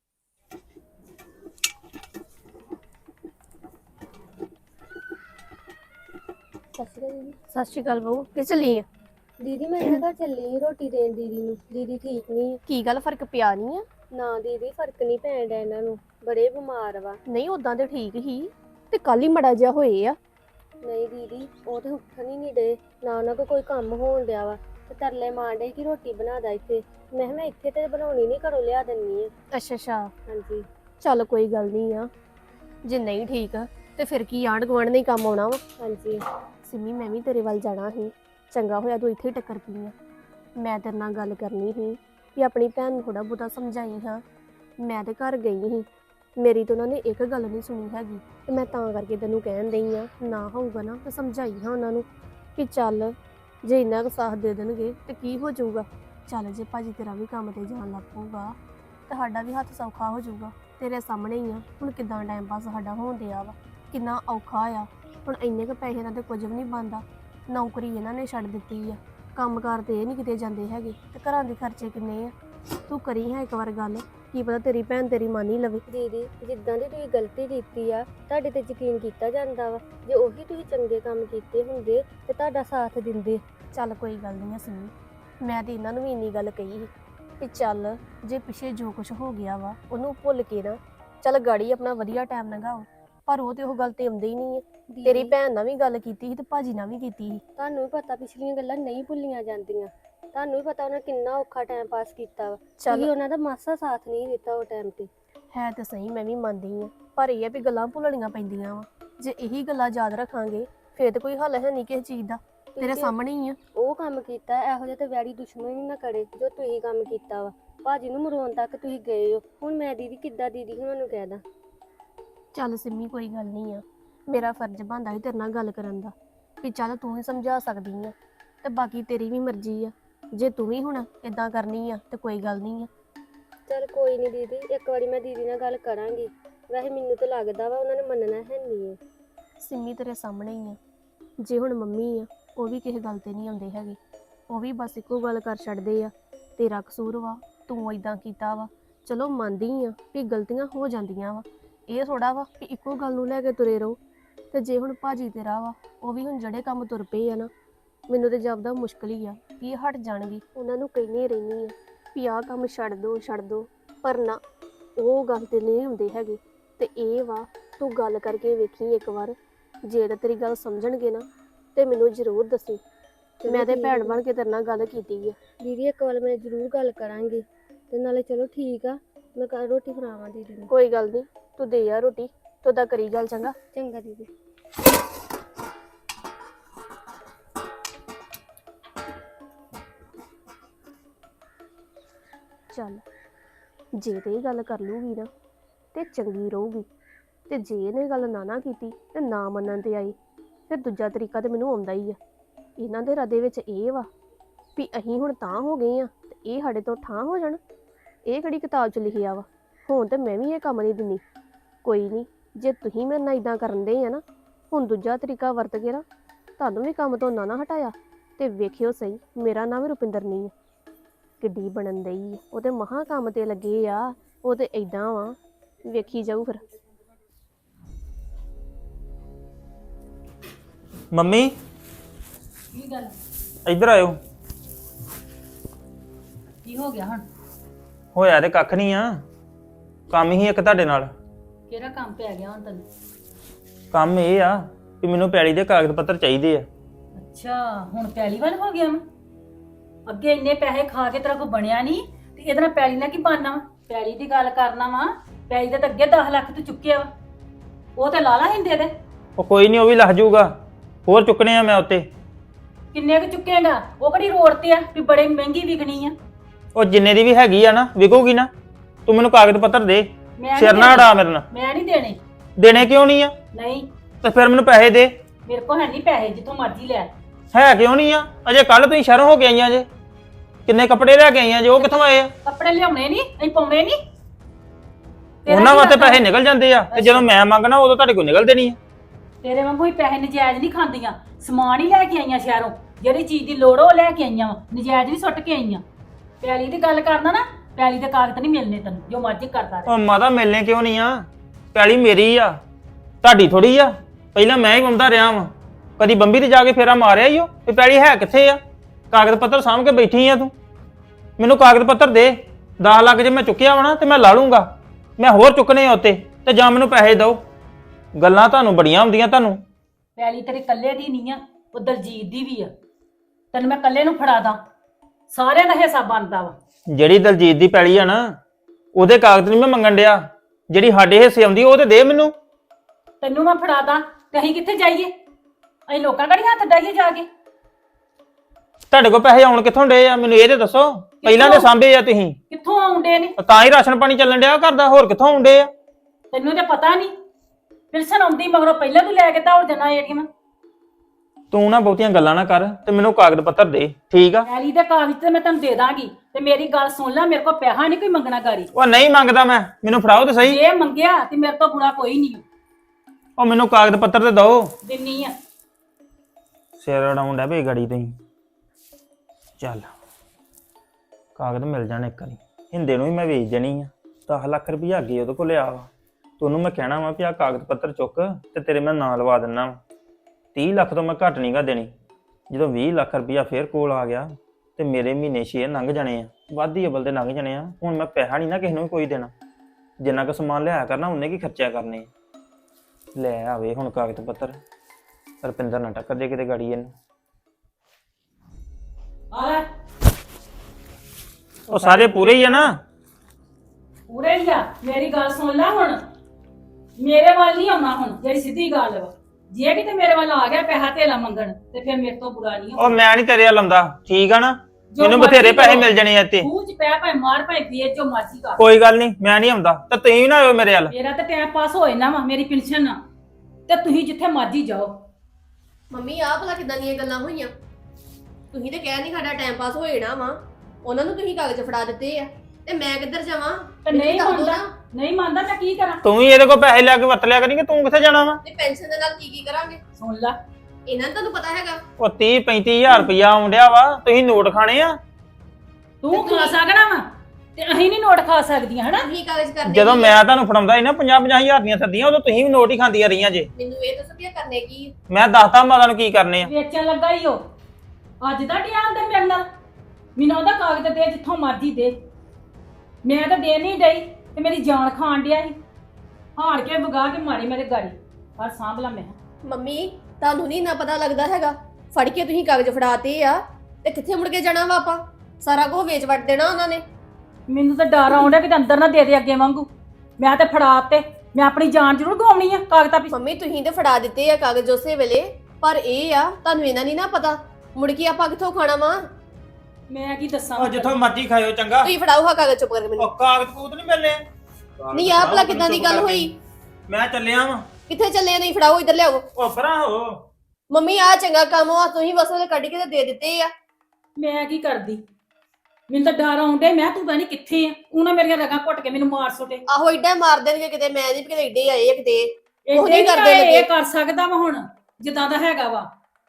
Speaker 6: ਸਤਿ ਸ਼੍ਰੀ ਅਕਾਲ ਦੀਦੀ।
Speaker 2: ਸਤਿ ਸ਼੍ਰੀ ਅਕਾਲ ਬਹੂ, ਕਿ ਚੱਲੀ ਆ?
Speaker 6: ਦੀਦੀ ਮੈਂ ਇਹਨਾਂ ਘਰ ਚੱਲੀ ਸੀ ਰੋਟੀ ਦੇਣ ਦੀਦੀ ਨੂੰ, ਦੀਦੀ ਠੀਕ ਨਹੀਂ।
Speaker 2: ਕੀ ਗੱਲ ਫਰਕ ਪਿਆ ਨਹੀਂ ਆ?
Speaker 6: ਨਾ ਦੀਦੀ ਫਰਕ ਨਹੀਂ ਪੈਣ ਡਿਆ ਇਹਨਾਂ ਨੂੰ, ਬੜੇ ਬਿਮਾਰ ਵਾ।
Speaker 2: ਨਹੀਂ ਉਦਾਂ ਤੇ ਠੀਕ ਹੀ, ਤੇ ਕੱਲ ਹੀ ਮੜਾ ਜਿਹਾ ਹੋਏ ਆ।
Speaker 6: ਨਹੀਂ ਦੀਦੀ, ਉਹ ਤੇ ਉੱਠਣ ਹੀ ਨਹੀਂ ਡੇ, ਨਾ ਉਹਨਾਂ ਕੋਲ ਕੋਈ ਕੰਮ ਹੋਣ ਡਿਆ ਵਾ, ਤੇ ਤਰਲੇ ਮਾਰ ਡੇ ਕਿ ਰੋਟੀ ਬਣਾ ਦਾ ਇੱਥੇ। ਮੈਂ ਕਿਹਾ ਮੈਂ ਇੱਥੇ ਤੇ ਬਣਾਉਣੀ ਨਹੀਂ, ਘਰੋਂ ਲਿਆ ਦਿੰਨੀ ਆ।
Speaker 2: ਅੱਛਾ ਅੱਛਾ,
Speaker 6: ਹਾਂਜੀ
Speaker 2: ਚੱਲ ਕੋਈ ਗੱਲ ਨਹੀਂ ਆ, ਜੇ ਨਹੀਂ ਠੀਕ ਤੇ ਫਿਰ ਕੀ ਆਂਢ ਗੁਆਂਢ ਨੇ ਹੀ ਕੰਮ ਆਉਣਾ ਵਾ।
Speaker 6: ਹਾਂਜੀ।
Speaker 2: ਸਿੰਮੀ ਮੈਂ ਵੀ ਤੇਰੇ ਵੱਲ ਜਾਣਾ ਸੀ, ਚੰਗਾ ਹੋਇਆ ਤੂੰ ਇੱਥੇ ਹੀ ਟੱਕਰ ਪਈ ਆ। ਮੈਂ ਤੇਰੇ ਨਾਲ ਗੱਲ ਕਰਨੀ ਸੀ ਕਿ ਆਪਣੀ ਭੈਣ ਨੂੰ ਥੋੜਾ ਬਹੁਤਾ ਸਮਝਾਈ ਹਾਂ। ਮੈਂ ਤੇ ਘਰ ਗਈ ਸੀ, ਮੇਰੀ ਤਾਂ ਉਹਨਾਂ ਨੇ ਇੱਕ ਗੱਲ ਨਹੀਂ ਸੁਣੀ ਹੈਗੀ, ਤੇ ਮੈਂ ਤਾਂ ਕਰਕੇ ਤੈਨੂੰ ਕਹਿਣ ਦਈ ਆ, ਨਾ ਹੋਊਗਾ ਨਾ ਤੇ ਸਮਝਾਈ ਹਾਂ ਉਹਨਾਂ ਨੂੰ ਕਿ ਚੱਲ ਜੇ ਇੰਨਾ ਕੁ ਸਾਥ ਦੇ ਦੇਣਗੇ ਤੇ ਕੀ ਹੋ ਜਾਊਗਾ। ਚੱਲ ਜੇ ਭਾਜੀ ਤੇਰਾ ਵੀ ਕੰਮ ਤੇ ਜਾਣ ਲੱਗ ਪਊਗਾ ਤੇ ਸਾਡਾ ਵੀ ਹੱਥ ਸੌਖਾ ਹੋ ਜਾਊਗਾ। ਤੇਰੇ ਸਾਹਮਣੇ ਹੀ ਆ ਹੁਣ ਕਿੱਦਾਂ ਟਾਈਮ ਪਾਸ ਸਾਡਾ ਹੋਣ ਡਿਆ ਵਾ, ਕਿੰਨਾ ਔਖਾ ਆ। ਹੁਣ ਇੰਨੇ ਕੁ ਪੈਸੇ ਨਾਲ ਤੇ ਕੁਝ ਵੀ ਨਹੀਂ ਬਣਦਾ, ਨੌਕਰੀ ਇਹਨਾਂ ਨੇ ਛੱਡ ਦਿੱਤੀ ਆ, ਕੰਮ ਕਾਰ ਤੇ ਇਹ ਨਹੀਂ ਕਿਤੇ ਜਾਂਦੇ ਹੈਗੇ, ਤੇ ਘਰਾਂ ਦੇ ਖਰਚੇ ਕਿੰਨੇ ਆ। ਤੂੰ ਕਰੀ ਹੈ ਇੱਕ ਵਾਰ ਗੱਲ, ਕੀ ਪਤਾ ਤੇਰੀ ਭੈਣ ਤੇਰੀ ਮੰਨ ਹੀ ਲਵੇ।
Speaker 6: ਦੀਦੀ ਜਿੱਦਾਂ ਦੀ ਤੁਸੀਂ ਗਲਤੀ ਕੀਤੀ ਆ, ਤੁਹਾਡੇ ਤੇ ਯਕੀਨ ਕੀਤਾ ਜਾਂਦਾ ਵਾ, ਜੇ ਉਹੀ ਤੁਸੀਂ ਚੰਗੇ ਕੰਮ ਕੀਤੇ ਹੁੰਦੇ ਤੇ ਤੁਹਾਡਾ ਸਾਥ ਦਿੰਦੇ।
Speaker 2: ਚੱਲ ਕੋਈ ਗੱਲ ਨਹੀਂ ਸਿੰਮੀ, ਮੈਂ ਤੇ ਇਹਨਾਂ ਨੂੰ ਵੀ ਇੰਨੀ ਗੱਲ ਕਹੀ ਸੀ ਕਿ ਚੱਲ ਜੇ ਪਿੱਛੇ ਜੋ ਕੁਝ ਹੋ ਗਿਆ ਵਾ ਉਹਨੂੰ ਭੁੱਲ ਕੇ ਨਾ ਚੱਲ ਗਾੜੀ ਆਪਣਾ ਵਧੀਆ ਟਾਈਮ ਲੰਘਾਓ, ਪਰ ਉਹ ਤੇ ਉਹ ਗੱਲ ਤੇ ਆਉਂਦੇ ਹੀ ਨਹੀਂ ਹੈ। ਤੇਰੀ ਭੈਣ ਨਾਲ ਵੀ ਗੱਲ ਕੀਤੀ ਸੀ ਤੇ ਭਾਜੀ ਨਾਲ ਵੀ ਕੀਤੀ ਸੀ।
Speaker 6: ਤੁਹਾਨੂੰ ਵੀ ਪਤਾ ਪਿਛਲੀਆਂ ਗੱਲਾਂ ਨਹੀਂ ਭੁੱਲੀਆਂ ਜਾਂਦੀਆਂ, ਤੁਹਾਨੂੰ ਵੀ ਪਤਾ ਉਹਨਾਂ ਕਿੰਨਾ ਔਖਾ ਟਾਈਮ ਪਾਸ ਕੀਤਾ ਵਾ, ਤੁਸੀਂ ਉਹਨਾਂ ਦਾ ਮਾਸਾ ਸਾਥ ਨਹੀਂ ਦਿੱਤਾ ਉਹ ਟਾਈਮ ਤੇ।
Speaker 2: ਹੈ ਤੇ ਸਹੀ, ਮੈਂ ਵੀ ਮੰਨਦੀ ਹਾਂ, ਪਰ ਇਹ ਆ ਵੀ ਗੱਲਾਂ ਭੁੱਲਣੀਆਂ ਪੈਂਦੀਆਂ ਵਾ। ਜੇ ਇਹੀ ਗੱਲਾਂ ਯਾਦ ਰੱਖਾਂਗੇ ਫੇਰ ਤੇ ਕੋਈ ਹੱਲ ਹੈ ਨਹੀਂ ਕਿਸੇ ਚੀਜ਼ ਦਾ, ਤੇਰੇ ਸਾਹਮਣੇ ਹੀ ਆ।
Speaker 6: ਉਹ ਕੰਮ ਕੀਤਾ ਇਹੋ ਜਿਹਾ ਤੇ ਵੈਰੀ ਦੁਸ਼ਮਣ ਵੀ ਨਾ ਕਰੇ ਜੋ ਤੁਸੀਂ ਕੰਮ ਕੀਤਾ ਵਾ। ਭਾਜੀ ਨੂੰ ਮਰਵਾਉਣ ਤੱਕ ਤੁਸੀਂ ਗਏ ਹੋ, ਹੁਣ ਮੈਂ ਦੀਦੀ ਕਿੱਦਾਂ ਦੀਦੀ ਉਹਨਾਂ ਨੂੰ ਕਹਿ ਦਾਂ।
Speaker 2: ਚੱਲ ਸਿੰਮੀ ਕੋਈ ਗੱਲ ਨਹੀਂ ਆ, ਮੇਰਾ ਫਰਜ਼ ਬਣਦਾ ਸੀ ਤੇਰੇ ਨਾਲ ਗੱਲ ਕਰਨ ਦਾ, ਵੀ ਚੱਲ ਤੂੰ ਹੀ ਸਮਝਾ ਸਕਦੀ ਆ, ਤੇ ਬਾਕੀ ਤੇਰੀ ਵੀ ਮਰਜ਼ੀ ਆ। ਜੇ ਤੂੰ ਵੀ ਹੁਣ ਇਦਾਂ ਕਰਨੀ ਆ ਤੇ ਕੋਈ ਗੱਲ ਨਹੀਂ ਆ।
Speaker 6: ਚਲ ਕੋਈ ਨਹੀਂ ਦੀਦੀ, ਇੱਕ ਵਾਰੀ ਮੈਂ ਦੀਦੀ ਨਾਲ ਗੱਲ ਕਰਾਂਗੀ, ਵੈਸੇ ਮੈਨੂੰ ਤਾਂ ਲੱਗਦਾ ਵਾ ਉਹਨਾਂ ਨੇ ਮੰਨਣਾ ਹੈ ਨਹੀਂ ਹੈ।
Speaker 2: ਸਿੰਮੀ ਤੇਰੇ ਸਾਹਮਣੇ ਹੀ ਆ, ਜੇ ਹੁਣ ਮੰਮੀ ਆ ਉਹ ਵੀ ਕਿਸੇ ਗੱਲ ਤੇ ਨਹੀਂ ਆਉਂਦੇ ਹੈਗੇ, ਉਹ ਵੀ ਬਸ ਇੱਕੋ ਗੱਲ ਕਰ ਛੱਡਦੇ ਆ, ਤੇਰਾ ਕਸੂਰ ਵਾ, ਤੂੰ ਇਦਾਂ ਕੀਤਾ ਵਾ। ਚਲੋ ਮੰਨਦੀ ਆ ਵੀ ਗਲਤੀਆਂ ਹੋ ਜਾਂਦੀਆਂ ਵਾ, ਇਹ ਥੋੜਾ ਵਾ ਕਿ ਇੱਕੋ ਗੱਲ ਨੂੰ ਲੈ ਕੇ ਤੁਰੇ ਰਹੋ। ਤੇ ਜੇ ਹੁਣ ਭਾਜੀ ਤੇਰਾ ਵਾ, ਉਹ ਵੀ ਹੁਣ ਜਿਹੜੇ ਕੰਮ ਤੁਰ ਪਏ ਆ ਨਾ, ਮੈਨੂੰ ਤੇ ਜਾਪਦਾ ਮੁਸ਼ਕਲ ਹੀ ਆ ਕਿ ਇਹ ਹਟ ਜਾਣਗੇ।
Speaker 6: ਉਹਨਾਂ ਨੂੰ ਕਹਿੰਦੀ ਰਹਿੰਦੀ ਆ
Speaker 2: ਵੀ ਆਹ ਕੰਮ ਛੱਡ ਦੋ ਛੱਡ ਦੋ, ਪਰ ਨਾ ਉਹ ਗੱਲ ਤੇ ਨਹੀਂ ਹੁੰਦੇ ਹੈਗੇ। ਤੇ ਇਹ ਵਾ ਤੂੰ ਗੱਲ ਕਰਕੇ ਵੇਖੀ ਇੱਕ ਵਾਰ, ਜੇ ਤਾਂ ਤੇਰੀ ਗੱਲ ਸਮਝਣਗੇ ਨਾ ਤੇ ਮੈਨੂੰ ਜ਼ਰੂਰ ਦੱਸੀ। ਮੈਂ ਤੇ ਭੈਣ ਬਣ ਕੇ ਤੇਰੇ ਨਾਲ ਗੱਲ ਕੀਤੀ ਆ।
Speaker 6: ਦੀਦੀ ਇੱਕ ਵਾਰ ਮੈਂ ਜ਼ਰੂਰ ਗੱਲ ਕਰਾਂਗੀ, ਤੇ ਨਾਲੇ ਚਲੋ ਠੀਕ ਆ, ਮੈਂ ਘਰ ਰੋਟੀ ਫੜਾਵਾਂ ਦੀਦੀ ਨੂੰ।
Speaker 2: ਕੋਈ ਗੱਲ ਨਹੀਂ, ਤੂੰ ਦੇ ਆ ਰੋਟੀ, ਤੂੰ ਤਾਂ ਕਰੀ ਗੱਲ। ਚੰਗਾ
Speaker 6: ਚੰਗਾ ਦੀਦੀ।
Speaker 2: ਚੱਲ ਜੇ ਤੇ ਇਹ ਗੱਲ ਕਰ ਲੂਗੀ ਨਾ ਤੇ ਚੰਗੀ ਰਹੂਗੀ, ਤੇ ਜੇ ਇਹਨੇ ਗੱਲ ਨਾ ਨਾ ਕੀਤੀ ਤੇ ਨਾ ਮੰਨਣ ਤੇ ਆਈ, ਫਿਰ ਦੂਜਾ ਤਰੀਕਾ ਤੇ ਮੈਨੂੰ ਆਉਂਦਾ ਹੀ ਆ। ਇਹਨਾਂ ਦੇ ਇਰਾਦੇ ਵਿੱਚ ਇਹ ਵਾ ਵੀ ਅਸੀਂ ਹੁਣ ਤਾਂ ਹੋ ਗਏ ਆ ਤੇ ਇਹ ਸਾਡੇ ਤੋਂ ਠਾਂ ਹੋ ਜਾਣ। ਇਹ ਕਿਹੜੀ ਕਿਤਾਬ 'ਚ ਲਿਖਿਆ ਵਾ, ਹੁਣ ਤੇ ਮੈਂ ਵੀ ਇਹ ਕੰਮ ਨਹੀਂ ਦਿੰਦੀ। ਕੋਈ ਨਹੀਂ, ਜੇ ਤੁਸੀਂ ਮੇਰੇ ਨਾਲ ਇਦਾਂ ਕਰਨ ਦੇ ਆ ਨਾ, ਹੁਣ ਦੂਜਾ ਤਰੀਕਾ ਵਰਤ ਕੇ ਨਾ ਤੁਹਾਨੂੰ ਵੀ ਕੰਮ ਤੋਂ ਨਾ ਨਾ ਹਟਾਇਆ ਤੇ ਵੇਖਿਓ ਸਹੀ, ਮੇਰਾ ਨਾਮ ਵੀ ਰੁਪਿੰਦਰ ਨਹੀਂ ਆ। ਕਿੱਡੀ ਬਣਨ ਦਈ ਆ, ਉਹ ਤੇ ਮਹਾ ਕੰਮ ਤੇ ਲੱਗੇ ਆ, ਉਹ ਤੇ ਏਦਾਂ ਵਾ, ਵੇਖੀ ਜਾਊ ਫਿਰ।
Speaker 5: ਮੰਮੀ
Speaker 7: ਕੀ ਗੱਲ?
Speaker 5: ਇੱਧਰ ਆਇਓ।
Speaker 7: ਕੀ ਹੋ ਗਿਆ ਹੁਣ?
Speaker 5: ਹੋਇਆ ਤੇ ਕੱਖ ਨਹੀਂ ਆ, ਕੰਮ ਹੀ ਇੱਕ ਤੁਹਾਡੇ ਨਾਲ।
Speaker 7: ਕਿਹੜਾ ਕੰਮ ਪੈ ਗਿਆ ਹੁਣ ਤੈਨੂੰ?
Speaker 5: ਕੰਮ ਇਹ ਆ ਕਿ ਮੈਨੂੰ ਪੈਲੀ ਦੇ ਕਾਗਜ਼ ਪੱਤਰ ਚਾਹੀਦੇ ਆ।
Speaker 7: ਅੱਛਾ, ਹੁਣ ਪਹਿਲੀ ਵਾਰ ਹੋ ਗਿਆ ਮੈਂ। ਅੱਗੇ ਇੰਨੇ ਪੈਸੇ ਖਾ ਕੇ ਤੇਰਾ ਕੋ ਬਣਿਆ ਨਹੀਂ ਤੇ ਇਹਦੇ ਨਾਲ ਪੈਲੀ ਨਾਲ ਕੀ ਬਣਨਾ ਵਾ? ਪੈਲੀ ਦੀ ਗੱਲ ਕਰਨਾ ਵਾ, ਪੈਲੀ ਦੇ ਤਾਂ ਅੱਗੇ ਦਸ ਲੱਖ ਤੂੰ ਚੁੱਕਿਆ ਵਾ, ਉਹ ਤੇ ਲਾ ਲਾ ਹਿੰਦੇ ਦੇ।
Speaker 5: ਉਹ ਕੋਈ ਨਹੀਂ, ਉਹ ਵੀ ਲੱਗ ਜਾਊਗਾ, ਹੋਰ ਚੁੱਕਣੇ ਆ ਮੈਂ ਉੱਤੇ।
Speaker 7: ਕਿੰਨੇ ਕੁ ਚੁੱਕੇਗਾ? ਉਹ ਕਿਹੜੀ ਰੋਡ ਤੇ ਆ ਵੀ ਬੜੇ ਮਹਿੰਗੀ ਵਿਕਣੀ ਆ।
Speaker 5: ਉਹ ਜਿੰਨੇ ਦੀ ਵੀ ਹੈਗੀ ਆ ਨਾ ਵਿਕੂਗੀ ਨਾ। ਤੂੰ ਮੈਨੂੰ ਕਾਗਜ਼ ਪੱਤਰ ਦੇ,
Speaker 7: ਮੈਂ
Speaker 5: ਸਿਰ
Speaker 7: ਨੀ
Speaker 5: ਨਾ
Speaker 7: ਦੇਣੇ।
Speaker 5: ਅੜਾ ਮੇਰੇ ਨਾਲ।
Speaker 7: ਮੈਂ ਨਹੀਂ ਦੇਣੇ।
Speaker 5: ਦੇਣੇ ਕਿਉਂ ਨਹੀਂ ਆ?
Speaker 7: ਨਹੀਂ,
Speaker 5: ਤੇ ਫਿਰ ਮੈਨੂੰ ਪੈਸੇ ਦੇ।
Speaker 7: ਮੇਰੇ ਕੋਲ ਹੈ ਨਹੀਂ ਪੈਸੇ, ਜਿੱਥੋਂ ਮਰਜ਼ੀ ਲੈ।
Speaker 5: ਹੈ ਕਿਉਂ ਨਹੀਂ ਆ? ਅਜੇ ਕੱਲ ਤੁਸੀਂ ਸ਼ਹਿਰੋਂ ਹੋ ਕੇ ਆਈਆਂ ਜੇ, ਕਿੰਨੇ ਕੱਪੜੇ ਲੈ ਕੇ ਆਈਆਂ ਜੇ, ਉਹ ਕਿੱਥੋਂ ਆਏ ਆ?
Speaker 7: ਕੱਪੜੇ ਲਿਆਉਣੇ ਨਹੀਂ, ਅਸੀਂ ਪਾਉਣੇ ਨਹੀਂ।
Speaker 5: ਉਹਨਾਂ ਵਾਸਤੇ ਪੈਸੇ ਨਿਕਲ ਜਾਂਦੇ ਆ, ਤੇ ਜਦੋਂ ਮੈਂ ਮੰਗਣਾ ਉਦੋਂ ਤੁਹਾਡੇ ਕੋਲ ਨਿਕਲਦੇ ਨਹੀਂ ਆ।
Speaker 7: ਤੇਰੇ ਵਾਂਗੂ ਹੀ ਪੈਸੇ ਨਜਾਇਜ਼ ਨਹੀਂ ਖਾਂਦੀਆਂ। ਸਮਾਨ ਹੀ ਲੈ ਕੇ ਆਈਆਂ ਸ਼ਹਿਰੋਂ, ਜਿਹੜੀ ਚੀਜ਼ ਦੀ ਲੋੜ ਉਹ ਲੈ ਕੇ ਆਈਆਂ ਵਾ, ਨਜਾਇਜ਼ ਨਹੀਂ ਸੁੱਟ ਕੇ ਆਈਆਂ। ਪੈਲੀ ਦੀ ਗੱਲ ਕਰਨਾ ਨਾ, ਪੈਲੀ ਦੇ ਕਾਗਜ਼ ਨਹੀਂ ਮਿਲਨੇ ਤੈਨੂੰ, ਜੋ ਮਰਜ਼ੀ ਕਰਦਾ ਰਹੇ।
Speaker 5: ਉਹ ਮਾਤਾ ਮਿਲਨੇ ਕਿਉਂ ਨਹੀਂ ਆ? ਪੈਲੀ ਮੇਰੀ ਆ, ਤੁਹਾਡੀ ਥੋੜੀ ਆ। ਪਹਿਲਾਂ ਮੈਂ ਹੀ ਬੰਦਾ ਰਿਹਾ ਵਾਂ, ਕਦੀ ਬੰਬੀ ਤੇ ਜਾ ਕੇ ਫੇਰਾ ਮਾਰਿਆ ਹੀ ਉਹ ਤੇ ਪੈਲੀ ਹੈ ਕਿੱਥੇ ਆ? ਕਾਗਜ਼ ਪੱਤਰ ਸਾਂਭ ਕੇ ਬੈਠੀ ਆ ਤੂੰ। ਮੈਨੂੰ ਕਾਗਜ਼ ਪੱਤਰ ਦੇ। ਦਸ ਲੱਖ ਜੇ ਮੈਂ ਚੁੱਕਿਆ ਵਾ ਨਾ ਤੇ ਮੈਂ ਲਾ ਲੂੰਗਾ, ਮੈਂ ਹੋਰ ਚੁੱਕਣੇ ਆ ਉੱਤੇ, ਤੇ ਜਾਂ ਮੈਨੂੰ ਪੈਸੇ ਦਿਓ। ਗੱਲਾਂ ਤੁਹਾਨੂੰ ਬੜੀਆਂ ਹੁੰਦੀਆਂ ਤੁਹਾਨੂੰ।
Speaker 7: ਪੈਲੀ ਤੇਰੇ ਕੱਲੇ ਦੀ ਨਹੀਂ ਆ, ਉਹ ਦਲਜੀਤ ਦੀ ਵੀ ਆ। ਤੈਨੂੰ ਮੈਂ ਕੱਲੇ ਨੂੰ ਫੜਾ ਦਾਂ, ਸਾਰਿਆਂ ਦਾ ਹਿੱਸਾ ਬਣਦਾ ਵਾ।
Speaker 5: ਜਿਹੜੀ ਦਲਜੀਤ ਦੀ ਪੈਲੀ ਆ ਨਾ, ਉਹਦੇ ਕਾਗਜ਼ ਨਹੀਂ ਮੈਂ ਮੰਗਣ ਡਿਆ। ਜਿਹੜੀ ਸਾਡੇ ਹਿੱਸੇ ਆਉਂਦੀ ਉਹ ਤੇ ਦੇ ਮੈਨੂੰ।
Speaker 7: ਤੈਨੂੰ ਮੈਂ ਫੜਾ ਦਾਂ ਤੇ ਅਸੀਂ ਕਿੱਥੇ ਜਾਈਏ? ਅਸੀਂ ਲੋਕਾਂ ਘੜੀ ਹੱਥ ਡਾਈਏ ਜਾ ਕੇ?
Speaker 5: ਤੁਹਾਡੇ ਕੋਲ ਪੈਸੇ ਆਉਣ ਕਿੱਥੋਂ ਡੇ ਆ? ਮੈਨੂੰ ਇਹ ਤੇ ਦੱਸੋ। ਪਹਿਲਾਂ ਦੇ ਸਾਂਭੇ ਆ ਤੁਸੀਂ,
Speaker 7: ਕਿੱਥੋਂ ਆਉਂਦੇ ਨੇ?
Speaker 5: ਤਾਂ ਹੀ ਰਾਸ਼ਨ ਪਾਣੀ ਚੱਲਣ ਡਿਆ ਘਰ ਦਾ, ਹੋਰ ਕਿੱਥੋਂ ਆਉਂਦੇ ਆ?
Speaker 7: ਤੈਨੂੰ ਤੇ ਪਤਾ ਨਹੀਂ। ਪਿਲਸਨ ਆਉਂਦੀ ਮਗਰੋਂ ਪਹਿਲਾਂ ਤੂੰ ਲੈ ਕੇ ਦੌੜ ਜਾਣਾ ਏਟੀਐਮ।
Speaker 5: ਤੂੰ ਨਾ ਬਹੁਤੀਆਂ ਗੱਲਾਂ ਨਾ ਕਰ ਤੇ ਮੈਨੂੰ ਕਾਗਜ਼ ਪੱਤਰ ਦੇ, ਠੀਕ ਆ?
Speaker 7: ਪੈਲੀ ਦੇ ਕਾਗਜ਼ ਤੇ ਮੈਂ ਤੈਨੂੰ ਦੇ ਦਾਂਗੀ, ਤੇ ਮੇਰੀ ਗੱਲ ਸੁਣ ਲੈ, ਮੇਰੇ ਕੋਲ ਪੈਸਾ ਨਹੀਂ ਕੋਈ ਮੰਗਣਾ ਗਾੜੀ।
Speaker 5: ਉਹ ਨਹੀਂ ਮੰਗਦਾ ਮੈਂ, ਮੈਨੂੰ ਫੜਾਓ ਤੇ ਸਹੀ।
Speaker 7: ਜੇ ਮੰਗਿਆ ਤੇ ਮੇਰੇ ਤੋਂ ਬੁਰਾ ਕੋਈ ਨਹੀਂ।
Speaker 5: ਉਹ ਮੈਨੂੰ ਕਾਗਜ਼ ਪੱਤਰ ਤੇ ਦਿਓ।
Speaker 7: ਦਿੰਨੀ ਆ।
Speaker 5: ਸਿਰ ਅਡਾਉਣ ਡਿਆ ਬਈ ਗੜੀ ਤੁਸੀਂ। ਚੱਲ ਕਾਗਜ਼ ਮਿਲ ਜਾਣ ਇੱਕ ਵਾਰੀ, ਹਿੰਦੇ ਨੂੰ ਵੀ ਮੈਂ ਵੇਚ ਦੇਣੀ ਆ। ਦਸ ਲੱਖ ਰੁਪਈਆ ਅੱਗੇ ਉਹਦੇ ਕੋਲ ਲਿਆ ਵਾ, ਤੁਹਾਨੂੰ ਮੈਂ ਕਹਿਣਾ ਵਾ ਵੀ ਆਹ ਕਾਗਜ਼ ਪੱਤਰ ਚੁੱਕ ਤੇ ਤੇਰੇ ਮੈਂ ਨਾਂ ਲਵਾ ਦਿੰਦਾ ਵਾ। ਤੀਹ ਲੱਖ ਤੋਂ ਮੈਂ ਘੱਟ ਨਹੀਂ ਗਾ ਦੇਣੀ। ਜਦੋਂ ਵੀਹ ਲੱਖ ਰੁਪਈਆ ਫੇਰ ਕੋਲ ਆ ਗਿਆ ਤੇ ਮੇਰੇ ਮਹੀਨੇ ਛੇ ਲੰਘ ਜਾਣੇ ਆ, ਵੱਧ ਹੀ ਅਬਲ ਦੇ ਲੰਘ ਜਾਣੇ ਆ। ਹੁਣ ਮੈਂ ਪੈਸਾ ਨਹੀਂ ਨਾ ਕਿਸੇ ਨੂੰ ਵੀ ਕੋਈ ਦੇਣਾ। ਜਿੰਨਾ ਕੁ ਸਮਾਨ ਲਿਆਇਆ ਕਰਨਾ ਉਹਨੇ ਕੀ ਖਰਚਿਆ ਕਰਨੇ। ਲੈ ਆਵੇ ਹੁਣ ਕਾਗਜ਼ ਪੱਤਰ। ਰੁਪਿੰਦਰ ਨਾ ਟੱਕਰ ਦੇ ਕਿਤੇ ਗਾੜੀ ਇਹਨੂੰ।
Speaker 7: ਆ ਲੈ,
Speaker 5: ਉਹ ਸਾਰੇ ਪੂਰੇ ਹੀ ਆ ਨਾ?
Speaker 7: ਪੂਰੇ ਹੀ ਆ। ਮੇਰੀ ਗੱਲ ਸੁਣ ਲੈ ਹੁਣ, ਮੇਰੇ ਵੱਲ ਨਹੀਂ ਆਉਣਾ ਹੁਣ, ਜਿਹੜੀ ਸਿੱਧੀ ਗੱਲ ਵਾ। ਜੇ ਕਿਤੇ ਮੇਰੇ ਵੱਲ ਆ ਗਿਆ ਪੈਸਾ ਧੇਲਾ ਮੰਗਣ ਤੇ ਫਿਰ ਮੇਰੇ ਤੋਂ ਬੁਰਾ ਨਹੀਂ
Speaker 5: ਉਹ ਮੈਂ ਨਹੀਂ ਤੇਰੇ ਵੱਲ ਆਉਂਦਾ, ਠੀਕ ਆ ਨਾ?
Speaker 7: ਜੋ
Speaker 5: ਮੈਨੂੰ
Speaker 7: ਮਰਜ਼ੀ
Speaker 5: ਬਥੇਰੇ ਪੈਸੇ
Speaker 7: ਕਰੋ।
Speaker 5: ਮਿਲ ਜਾਣੇ ਆ ਇੱਥੇ।
Speaker 7: ਖੂਹ ਚ ਪੈ ਭਾਵੇਂ ਮਾਰ ਭਾਵੇਂ ਵੇਚ, ਜੋ ਮਰਜ਼ੀ ਕਰ।
Speaker 5: ਕੋਈ ਗੱਲ ਨਹੀਂ, ਮੈਂ ਨਹੀਂ ਆਉਂਦਾ ਤੇ ਤੁਸੀਂ ਵੀ ਨਾ ਆਇਓ ਮੇਰੇ ਵੱਲ।
Speaker 7: ਮੇਰਾ ਤਾਂ ਟਾਈਮ ਪਾਸ ਹੋਏ ਨਾ ਵਾ, ਮੇਰੀ ਪੈਨਸ਼ਨ ਨਾ, ਤੇ ਤੁਸੀਂ ਜਿੱਥੇ ਮਰਜ਼ੀ ਜਾਓ।
Speaker 2: ਮੰਮੀ ਆਹ ਭਲਾ ਕਿਦਾਂ ਦੀਆਂ ਗੱਲਾਂ ਹੋਈਆਂ? ਤੁਸੀਂ ਤੇ ਕਹਿ ਨਹੀਂ ਸਾਡਾ ਟਾਈਮ ਪਾਸ ਹੋ ਜਾਣਾ ਵਾ, ਉਹਨਾਂ ਨੂੰ ਤੁਸੀਂ ਕਾਗਜ਼ ਫੜਾ ਦਿੱਤੇ ਆ, ਤੇ ਮੈਂ ਕਿੱਧਰ ਜਾਵਾਂ?
Speaker 7: ਤੇ
Speaker 2: ਮੈਨੂੰ
Speaker 7: ਨਹੀਂ
Speaker 2: ਦੱਸ ਦਿਓ
Speaker 7: ਮੰਨਦਾ,
Speaker 2: ਨਾ।
Speaker 7: ਨਹੀਂ ਮੰਨਦਾ, ਮੈਂ ਕੀ ਕਰਾਂ?
Speaker 5: ਤੂੰ ਵੀ ਇਹਦੇ ਕੋਲ ਪੈਸੇ ਲੈ ਕੇ ਵਰਤ ਲਿਆ ਕਰੀਂ ਕਿ ਤੂੰ ਕਿੱਥੇ ਜਾਣਾ ਵਾ?
Speaker 2: ਤੇ ਪੈਨਸ਼ਨ ਦੇ ਨਾਲ ਕੀ ਕੀ ਕਰਾਂਗੇ?
Speaker 7: ਸੁਣ ਲੈ,
Speaker 2: ਇਹਨਾਂ ਨੂੰ ਤੁਹਾਨੂੰ ਪਤਾ ਹੈਗਾ।
Speaker 5: ਉਹ ਤੀਹ ਪੈਂਤੀ ਹਜ਼ਾਰ ਰੁਪਇਆ ਆਉਂਦਿਆ ਵਾ, ਤੁਸੀਂ ਨੋਟ ਖਾਣੇ ਆ।
Speaker 7: ਤੂੰ ਖਾ ਸਕਣਾ ਵਾ ਤੇ ਅਸੀਂ ਨਹੀਂ ਨੋਟ ਖਾ ਸਕਦੀਆਂ, ਹਨਾ?
Speaker 2: ਤੁਸੀਂ ਕਾਗਜ਼ ਕਰਦੇ
Speaker 5: ਜਦੋਂ
Speaker 2: ਕੀ
Speaker 5: ਮੈਂ
Speaker 2: ਆ?
Speaker 5: ਤੁਹਾਨੂੰ ਫੜਾਉਂਦਾ ਸੀ ਨਾ ਪੰਜਾਹ ਪੰਜਾਹ ਹਜ਼ਾਰ ਦੀਆਂ ਸੱਦੀਆਂ, ਉਦੋਂ ਤੁਸੀਂ ਵੀ ਨੋਟ ਹੀ ਖਾਂਦੀਆਂ ਰਹੀਆਂ ਜੇ।
Speaker 2: ਮੈਨੂੰ ਇਹ ਦੱਸੋ ਵੀ ਇਹ ਕਰਨੇ ਕੀ ਆ?
Speaker 5: ਮੈਂ ਦੱਸਤਾ ਮਾਤਾ ਨੂੰ ਕੀ ਕਰਨੇ ਆ।
Speaker 7: ਵੇਚਣ ਲੱਗਾ ਹੀ ਉਹ ਅੱਜ ਦਾ ਟਿਆਮ ਦੇ ਮੇਰੇ ਨਾਲ। ਮੈਨੂੰ ਉਹਦਾ ਕਾਗਜ਼ ਦੇ, ਜਿੱਥੋਂ ਮਰਜ਼ੀ ਦੇ। ਮੈਂ ਤਾਂ ਦੇ ਨਹੀਂ ਡਈ ਤੇ ਮੇਰੀ ਜਾਨ ਖਾਣ ਡਿਆ ਸੀ। ਹਾਰ ਕੇ ਵਗਾ ਕੇ ਮਾਰੀ ਮੇਰੇ ਗਾੜੀ। ਪਰ ਸਾਂਭ ਲਾ ਮੈਂ।
Speaker 2: ਮੰਮੀ ਤੁਹਾਨੂੰ ਨਹੀਂ ਨਾ ਪਤਾ ਲੱਗਦਾ ਹੈਗਾ, ਫੜ ਕੇ ਤੁਸੀਂ ਕਾਗਜ਼ ਫੜਾਤੇ ਆ ਤੇ ਕਿੱਥੇ ਮੁੜ ਕੇ ਜਾਣਾ ਵਾ? ਆਪਾਂ ਸਾਰਾ ਕੁਝ ਵੇਚ ਵੱਟ ਦੇਣਾ ਉਹਨਾਂ ਨੇ।
Speaker 7: ਮੈਨੂੰ ਤਾਂ ਡਰ ਆਉਂਦਾ ਕਿ ਅੰਦਰ ਨਾ ਦੇ ਦੇ ਅੱਗੇ ਵਾਂਗੂ। ਮੈਂ ਤੇ ਫੜਾ ਤੇ ਮੈਂ ਆਪਣੀ ਜਾਨ ਜ਼ਰੂਰ ਗਵਾਉਣੀ ਆ ਕਾਗਜ਼ਾਂ ਪਿੱਛੇ।
Speaker 2: ਮੰਮੀ ਤੁਸੀਂ ਤੇ ਫੜਾ ਦਿੱਤੇ ਆ ਕਾਗਜ਼ ਉਸੇ ਵੇਲੇ, ਪਰ ਇਹ ਆ ਤੁਹਾਨੂੰ ਇਹਨਾਂ ਨਹੀਂ ਨਾ ਪਤਾ ਮੁੜ ਕੇ ਆਪਾਂ ਕਿੱਥੋਂ ਖਾਣਾ ਵਾ।
Speaker 7: ਮੈਂ ਕੀ ਦੱਸਾਂ?
Speaker 5: ਉਹ ਜਿੱਥੋਂ ਮਰਜ਼ੀ ਖਾਇਓ ਚੰਗਾ।
Speaker 2: ਤੁਸੀਂ ਫੜਾਓ ਹਾਂ ਕਾਗਜ਼ ਚੁੱਪ ਕਰਕੇ ਮੈਨੂੰ।
Speaker 5: ਉਹ ਕਾਗਜ਼ ਕੂਤ ਨਹੀਂ ਮਿਲਨੇ।
Speaker 2: ਨਹੀਂ ਆਹ ਭਲਾ ਕਿਦਾਂ ਦੀ ਗੱਲ ਹੋਈ?
Speaker 5: ਮੈਂ ਚੱਲਿਆ ਵਾਂ।
Speaker 2: ਕਿੱਥੇ ਚੱਲੇ? ਨਹੀਂ ਫੜਾਓ, ਇੱਧਰ ਲਿਆਓ।
Speaker 5: ਉਹ ਪਰਾਂ ਹੋ।
Speaker 2: ਮੰਮੀ ਆਹ ਚੰਗਾ ਕੰਮ ਆ, ਤੁਸੀਂ ਬਸ ਉਹਦੇ ਕੱਢ ਕੇ ਤੇ ਦੇ ਦਿੱਤੇ ਆ।
Speaker 7: ਮੈਂ ਕੀ ਕਰਦੀ? ਮੈਨੂੰ ਤਾਂ ਡਰ ਆਉਂਦਾ, ਮੈਂ ਤੂੰ ਪਤਾ ਨੀ ਕਿੱਥੇ ਆ। ਉਹਨਾਂ ਮੇਰੀਆਂ ਰਗਾਂ ਘੁੱਟ ਕੇ ਮੈਨੂੰ ਮਾਰ ਸੁੱਟੇ।
Speaker 2: ਆਹੋ ਏਡਾ ਮਾਰ ਦੇਣਗੇ ਕਿਤੇ, ਮੈਂ ਨਹੀਂ ਕਿਤੇ ਏਡੇ ਆਏ ਆ ਕਿਤੇ। ਉਹ
Speaker 7: ਇਹ
Speaker 2: ਨਹੀਂ ਕਰਦੇ ਲੱਗੇ।
Speaker 7: ਇਹ ਕਰ ਸਕਦਾ ਵਾ ਹੁਣ ਜਿੱਦਾਂ ਦਾ ਹੈਗਾ ਵਾ।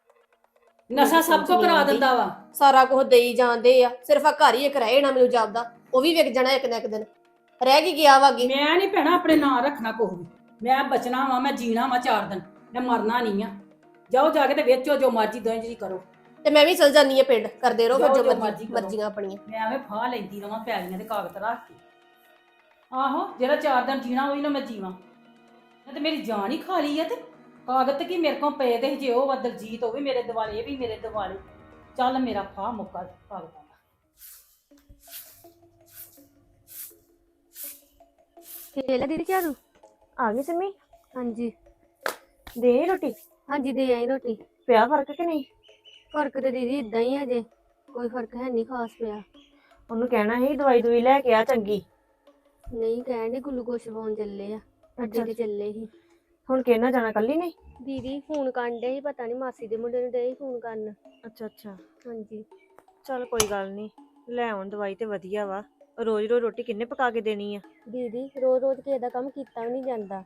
Speaker 7: ਨਸ਼ਾ ਸਭ ਕੋ ਕਰਾ ਦਿੰਦਾ ਵਾ।
Speaker 2: ਸਾਰਾ ਕੁਝ ਦੇਈ ਜਾਂਦੇ ਆ, ਸਿਰਫ ਆ ਘਰ ਹੀ ਇੱਕ ਰਹਿ ਜਾਣਾ ਮੈਨੂੰ ਜਾਪਦਾ, ਉਹ ਵੀ ਵਿਕ ਜਾਣਾ ਇੱਕ ਨਾ ਇੱਕ ਦਿਨ। ਰਹਿ ਕੀ ਗਿਆ ਵਾ ਅੱਗੇ?
Speaker 7: ਮੈਂ ਨਹੀਂ ਭੈਣਾ ਆਪਣੇ ਨਾਂ ਰੱਖਣਾ ਕੁਛ ਵੀ। ਮੈਂ ਬਚਣਾ ਵਾ, ਮੈਂ ਜੀਣਾ ਵਾ ਚਾਰ ਦਿਨ, ਮੈਂ ਮਰਨਾ ਨਹੀਂ ਆ। ਜਾਓ ਜਾ ਕੇ ਤੇ ਵੇਚੋ ਜੋ ਮਰਜ਼ੀ ਦੋਵੇਂ ਜੀ ਕਰੋ।
Speaker 2: ਤੇ ਮੈਂ ਵੀ ਚਲ ਜਾਨੀ ਆ ਪਿੰਡ, ਕਰਦੇ ਰਹੋ ਫਿਰ
Speaker 7: ਜਾਓ
Speaker 2: ਜੋ
Speaker 7: ਜੋ
Speaker 2: ਮਰਜ਼ੀ
Speaker 7: ਮਰਜ਼ੀ ਕਰੋ।
Speaker 2: ਮਰਜ਼ੀਆਂ ਆਪਣੀਆਂ।
Speaker 7: ਮੈਂ ਐਵੇਂ ਫਾਹ ਲੈਂਦੀ ਰਵਾਂ ਪੈਲੀਆਂ ਦੇ ਕਾਗਜ਼ ਰੱਖ ਕੇ। ਆਹੋ ਜਿਹੜਾ ਚਾਰ ਦਿਨ ਜੀਣਾ ਉਹੀ ਨਾ ਮੈਂ ਜੀਵਾਂ। ਮੈਂ ਤੇ ਮੇਰੀ ਜਾਨ ਹੀ ਖਾ ਲਈ ਆ। ਤੇ ਕਾਗਜ਼ ਤੇ ਕੀ ਮੇਰੇ ਕੋਲ ਪਏ ਦੇ ਜੇ ਉਹ ਵਾ ਦਲਜੀਤ, ਉਹ ਵੀ ਮੇਰੇ ਦਿਵਾਲੇ, ਇਹ ਵੀ ਮੇਰੇ ਦਿਵਾਲੇ। ਚੱਲ ਮੇਰਾ ਫਾਹ ਮੁੱਕਾ ਕਾਗਜ਼ਾਂ ਦਾ।
Speaker 6: ਲੈ ਦੀਦੀ ਝਾੜੂ।
Speaker 1: ਆ ਗਈ ਸਿੰਮੀ?
Speaker 6: ਹਾਂਜੀ
Speaker 1: ਦੇ ਆਈ ਰੋਟੀ?
Speaker 6: ਹਾਂਜੀ ਦੇ ਆਈ ਰੋਟੀ।
Speaker 1: ਪਿਆ ਫਰਕ ਕਿ ਨਹੀਂ?
Speaker 6: ਫਰਕ ਤੇ ਦੀਦੀ ਇਦਾਂ ਹੀ ਆ ਜੇ, ਕੋਈ ਫਰਕ ਹੈ ਨਹੀਂ ਖਾਸ ਪਿਆ।
Speaker 1: ਉਹਨੂੰ ਕਹਿਣਾ ਸੀ ਦਵਾਈ ਦਵਾਈ ਲੈ ਕੇ ਆ ਚੰਗੀ।
Speaker 6: ਨਹੀਂ ਕਹਿਣ ਦੇ ਗਲੂਕੋਸ਼ ਪਾਉਣ ਚੱਲੇ ਆ, ਅੱਡੇ ਤੇ ਚੱਲੇ ਸੀ।
Speaker 1: ਹੁਣ ਕਿਹਨਾਂ ਜਾਣਾ, ਕੱਲੀ ਨੇ?
Speaker 6: ਦੀਦੀ ਫੋਨ ਕਰਨ ਡੇ ਸੀ, ਪਤਾ ਨਹੀਂ ਮਾਸੀ ਦੇ ਮੁੰਡੇ ਨੂੰ ਡੇ ਫੋਨ ਕਰਨ।
Speaker 1: ਅੱਛਾ ਅੱਛਾ,
Speaker 6: ਹਾਂਜੀ
Speaker 1: ਚੱਲ ਕੋਈ ਗੱਲ ਨਹੀਂ, ਲੈ ਆਉਣ ਦਵਾਈ ਤੇ ਵਧੀਆ ਵਾ। ਰੋਜ਼ ਰੋਜ਼ ਰੋਟੀ ਕਿੰਨੇ ਪਕਾ ਕੇ ਦੇਣੀ ਆ?
Speaker 6: ਦੀਦੀ ਰੋਜ਼ ਰੋਜ਼ ਕਿਸੇ ਦਾ ਕੰਮ ਕੀਤਾ ਵੀ ਨਹੀਂ ਜਾਂਦਾ।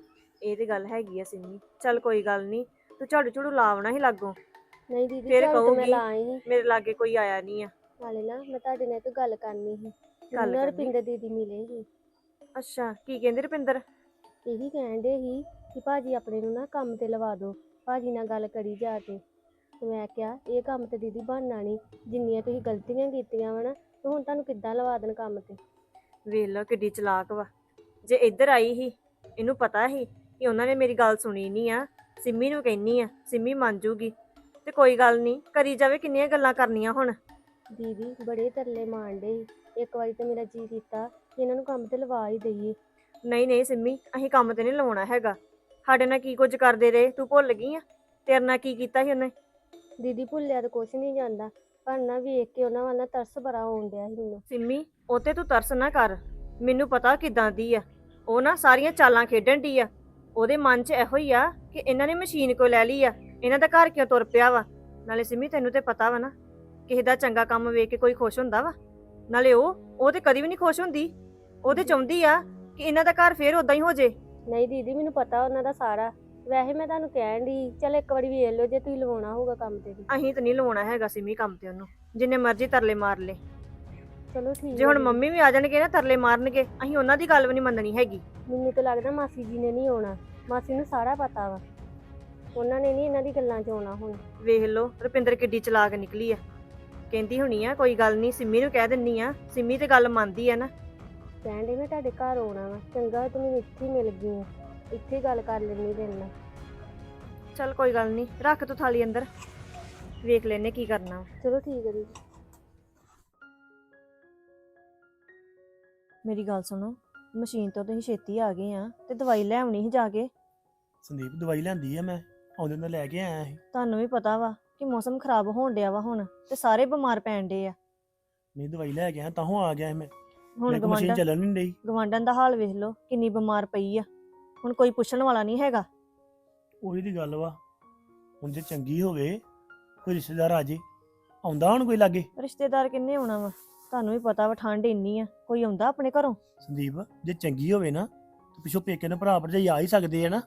Speaker 1: ਇਹ ਤੇ ਗੱਲ ਹੈਗੀ ਆ ਸਿੰਮੀ। ਚੱਲ ਕੋਈ ਗੱਲ ਨਹੀਂ, ਤੂੰ ਝਾੜੂ ਝੂੜੂ ਲਾਵਣਾ ਹੀ ਲਾਗੋ।
Speaker 6: ਨਹੀਂ ਦੀਦੀ
Speaker 1: ਫਿਰ
Speaker 6: ਝਾੜੂ ਤਾਂ ਮੈਂ
Speaker 1: ਕਹੂਗੀ
Speaker 6: ਲਾਈ ਸੀ।
Speaker 1: ਮੇਰੇ ਲਾਗੇ ਕੋਈ ਆਇਆ ਨਹੀਂ ਆ।
Speaker 6: ਨਾਲੇ ਨਾ ਮੈਂ ਤੁਹਾਡੇ ਨਾਲ ਇੱਕ ਗੱਲ ਕਰਨੀ ਸੀ।
Speaker 1: ਗੱਲ
Speaker 6: ਮੈਨੂੰ
Speaker 1: ਕਰਨੀ?
Speaker 6: ਰੁਪਿੰਦਰ ਦੀਦੀ ਮਿਲੇ ਸੀ।
Speaker 1: ਅੱਛਾ, ਕੀ ਕਹਿੰਦੇ ਰੁਪਿੰਦਰ?
Speaker 6: ਇਹੀ ਕਹਿਣ ਡੇ ਸੀ ਕਿ ਭਾਜੀ ਆਪਣੇ ਨੂੰ ਨਾ ਕੰਮ ਤੇ ਲਵਾ ਦਿਓ, ਭਾਜੀ ਨਾਲ ਗੱਲ ਕਰੀ ਜਾ ਕੇ। ਤੇ ਮੈਂ ਕਿਹਾ ਇਹ ਕੰਮ ਤੇ ਦੀਦੀ ਬਣਨਾ ਨਹੀਂ, ਜਿੰਨੀਆਂ ਤੁਸੀਂ ਗਲਤੀਆਂ ਕੀਤੀਆਂ ਵਾ ਨਾ, ਤੇ ਹੁਣ ਤੁਹਾਨੂੰ ਕਿੱਦਾਂ ਲਵਾ ਦੇਣ ਕੰਮ ਤੇ।
Speaker 1: ਵੇਖ ਲਓ ਕਿੱਡੀ ਚਲਾਕ ਵਾ। ਜੇ ਇੱਧਰ ਆਈ ਸੀ, ਇਹਨੂੰ ਪਤਾ ਸੀ ਕਿ ਉਹਨਾਂ ਨੇ ਮੇਰੀ ਗੱਲ ਸੁਣੀ ਨਹੀਂ ਆ, ਸਿੰਮੀ ਨੂੰ ਕਹਿੰਨੀ ਆ, ਸਿੰਮੀ ਮੰਨ ਜੂਗੀ। ਤੇ ਕੋਈ ਗੱਲ ਨਹੀਂ, ਕਰੀ ਜਾਵੇ, ਕਿੰਨੀਆਂ ਗੱਲਾਂ ਕਰਨੀਆਂ ਹੁਣ।
Speaker 6: ਦੀਦੀ ਬੜੇ ਤਰਲੇ ਮਾਰਨ ਡੇ ਸੀ। ਇੱਕ ਵਾਰੀ ਤਾਂ ਮੇਰਾ ਜੀ ਕੀਤਾ ਕਿ ਇਹਨਾਂ ਨੂੰ ਕੰਮ ਤੇ ਲਵਾ ਹੀ ਦਈਏ।
Speaker 1: ਨਹੀਂ ਨਹੀਂ ਸਿੰਮੀ, ਅਸੀਂ ਕੰਮ ਤੇ ਨਹੀਂ ਲਾਉਣਾ ਹੈਗਾ। ਸਾਡੇ ਨਾਲ ਕੀ ਕੁਝ ਕਰਦੇ ਰਹੇ, ਤੂੰ ਭੁੱਲ ਗਈ ਆ? ਤੇਰੇ ਨਾਲ ਕੀ ਕੀਤਾ ਸੀ ਉਹਨੇ?
Speaker 6: ਦੀਦੀ ਭੁੱਲਿਆ ਤਾਂ ਕੁਛ ਨਹੀਂ ਜਾਂਦਾ, ਪਰ ਨਾ ਵੇਖ ਕੇ ਉਹਨਾਂ ਵੱਲ ਨਾ ਤਰਸ ਬੜਾ ਆਉਣ ਡਿਆ ਸੀ ਮੈਨੂੰ।
Speaker 1: ਸਿੰਮੀ, ਉਹ ਤੇ ਤੂੰ ਤਰਸ ਨਾ ਕਰ। ਮੈਨੂੰ ਪਤਾ ਕਿਦਾਂ ਦੀ ਆ ਉਹ, ਨਾ ਸਾਰੀਆਂ ਚਾਲਾਂ ਖੇਡਣ ਦੀ ਆ। ਉਹਦੇ ਮਨ 'ਚ ਇਹੋ ਹੀ ਆ ਕਿ ਇਹਨਾਂ ਨੇ ਮਸ਼ੀਨ ਕੋ ਲੈ ਲਈ ਆ, ਇਹਨਾਂ ਦਾ ਘਰ ਕਿਉਂ ਤੁਰ ਪਿਆ ਵਾ। ਨਾਲੇ ਸਿੰਮੀ ਤੈਨੂੰ ਤੇ ਪਤਾ ਵਾ ਨਾ, ਕਿਸੇ ਦਾ ਚੰਗਾ ਕੰਮ ਵੇਖ ਕੇ ਕੋਈ ਖੁਸ਼ ਹੁੰਦਾ ਵਾ? ਨਾਲੇ ਉਹ ਉਹ ਤੇ ਕਦੀ ਵੀ ਨਹੀਂ ਖੁਸ਼ ਹੁੰਦੀ। ਉਹ ਤੇ ਚਾਹੁੰਦੀ ਆ ਕਿ ਇਹਨਾਂ ਦਾ ਘਰ ਫੇਰ ਉਦਾਂ ਹੀ ਹੋ ਜੇ।
Speaker 6: ਨਹੀਂ ਦੀਦੀ ਮੈਨੂੰ ਪਤਾ ਉਹਨਾਂ ਦਾ ਸਾਰਾ, ਵੈਸੇ ਮੈਂ ਤੁਹਾਨੂੰ ਕਹਿਣ ਦੀ ਚੱਲ ਇੱਕ ਵਾਰੀ ਵੇਖ ਲਿਓ ਜੇ ਤੁਸੀਂ ਲਵਾਉਣਾ ਹੋਊਗਾ ਕੰਮ ਤੇ ਵੀ।
Speaker 1: ਅਸੀਂ ਤਾਂ ਨਹੀਂ ਲਵਾਉਣਾ ਹੈਗਾ ਸਿੰਮੀ ਕੰਮ ਤੇ ਉਹਨੂੰ, ਜਿੰਨੇ ਮਰਜ਼ੀ ਤਰਲੇ ਮਾਰ ਲੈ।
Speaker 6: ਚਲੋ ਠੀਕ
Speaker 1: ਜੇ ਹੁਣ ਮੰਮੀ ਵੀ ਆ ਜਾਣਗੇ ਨਾ ਤਰਲੇ ਮਾਰਨਗੇ, ਅਸੀਂ ਉਹਨਾਂ ਦੀ ਗੱਲ ਵੀ ਨਹੀਂ ਮੰਨਣੀ ਹੈਗੀ।
Speaker 6: ਮੈਨੂੰ ਤਾਂ ਲੱਗਦਾ ਮਾਸੀ ਜੀ ਨੇ ਨਹੀਂ ਆਉਣਾ, ਮਾਸੀ ਨੂੰ ਸਾਰਾ ਪਤਾ ਵਾ, ਉਹਨਾਂ ਨੇ ਨਹੀਂ ਇਹਨਾਂ ਦੀ ਗੱਲਾਂ 'ਚ ਆਉਣਾ ਹੁਣ।
Speaker 1: ਵੇਖ ਲਓ ਰੁਪਿੰਦਰ ਕਿੱਡੀ ਚਲਾਕ ਨਿਕਲੀ ਆ। ਕਹਿੰਦੀ ਹੋਣੀ ਆ ਕੋਈ ਗੱਲ ਨਹੀਂ, ਸਿੰਮੀ ਨੂੰ ਕਹਿ ਦਿੰਨੀ ਆ, ਸਿੰਮੀ ਤੇ ਗੱਲ ਮੰਨਦੀ ਆ ਨਾ।
Speaker 6: ਕਹਿਣ ਡੇ ਮੈਂ ਤੁਹਾਡੇ ਘਰ ਆਉਣਾ ਵਾ, ਚੰਗਾ ਤੂੰ ਮੈਨੂੰ ਇੱਥੇ ਹੀ ਮਿਲ ਗਈ ਆ, ਇੱਥੇ ਹੀ ਗੱਲ ਕਰ ਲੈਣੀ ਤੇਰੇ ਨਾਲ।
Speaker 1: ਚੱਲ ਕੋਈ ਗੱਲ ਨਹੀਂ, ਰੱਖ ਤੂੰ ਥਾਲੀ ਅੰਦਰ, ਵੇਖ ਲੈਨੇ ਕੀ ਕਰਨਾ।
Speaker 6: ਚਲੋ ਠੀਕ ਹੈ ਦੀਦੀ।
Speaker 1: ਮੇਰੀ ਗੱਲ ਸੁਣੋ, ਮਸ਼ੀਨ ਤੋਂ ਤੁਸੀਂ ਛੇਤੀ ਆ ਗਏ ਆ ਤੇ ਦਵਾਈ ਲੈ ਆਉਣੀ ਸੀ ਜਾ ਕੇ।
Speaker 3: ਸੰਦੀਪ ਦਵਾਈ ਲੈਂਦੀ ਆ, ਮੈਂ ਆਉਂਦੇ ਨਾਲ ਲੈ ਕੇ ਆਇਆ ਸੀ।
Speaker 1: ਤੁਹਾਨੂੰ ਵੀ ਪਤਾ ਵਾ ਕਿ ਮੌਸਮ ਖਰਾਬ ਹੋਣ ਡਿਆ ਵਾ ਹੁਣ, ਤੇ ਸਾਰੇ ਬਿਮਾਰ ਪੈਣ ਡੇ ਆ।
Speaker 3: ਨਹੀਂ ਦਵਾਈ ਲੈ ਕੇ ਆਇਆ ਤਾਂ ਆ ਗਿਆ ਸੀ ਮੈਂ।
Speaker 1: ਹੁਣ
Speaker 3: ਮੈਂ ਕਿਹਾ ਮਸ਼ੀਨ
Speaker 1: ਗਵਾਂਢਾਂ
Speaker 3: ਚੱਲਣ ਨਹੀਂ ਡਈ।
Speaker 1: ਗਵਾਂਢਾਂ ਦਾ ਹਾਲ ਵੇਖ ਲਓ, ਕਿੰਨੀ ਬਿਮਾਰ ਪਈ ਆ। ਹੁਣ ਕੋਈ ਪੁੱਛਣ ਵਾਲਾ ਨਹੀਂ ਹੈਗਾ।
Speaker 3: ਉਹੀ ਦੀ ਗੱਲ ਵਾ, ਹੁਣ ਜੇ ਚੰਗੀ ਹੋਵੇ, ਕੋਈ ਰਿਸ਼ਤੇਦਾਰ ਆ ਜੇ, ਆਉਂਦਾ ਹੁਣ ਕੋਈ ਲਾਗੇ?
Speaker 1: ਰਿਸ਼ਤੇਦਾਰ ਕਿੰਨੇ ਆਉਣਾ ਵਾ? ਤੁਹਾਨੂੰ ਵੀ ਪਤਾ ਵਾ ਠੰਡ ਇੰਨੀ ਆ, ਕੋਈ ਆਉਂਦਾ ਆਪਣੇ ਘਰੋਂ?
Speaker 3: ਸੰਦੀਪ ਜੇ ਚੰਗੀ ਹੋਵੇ ਨਾ ਤੇ ਪਿੱਛੋਂ ਪੇਕੇ ਨੇ ਭਰਾ ਭਰਜਾਈ ਆ ਹੀ ਸਕਦੇ ਆ ਨਾ।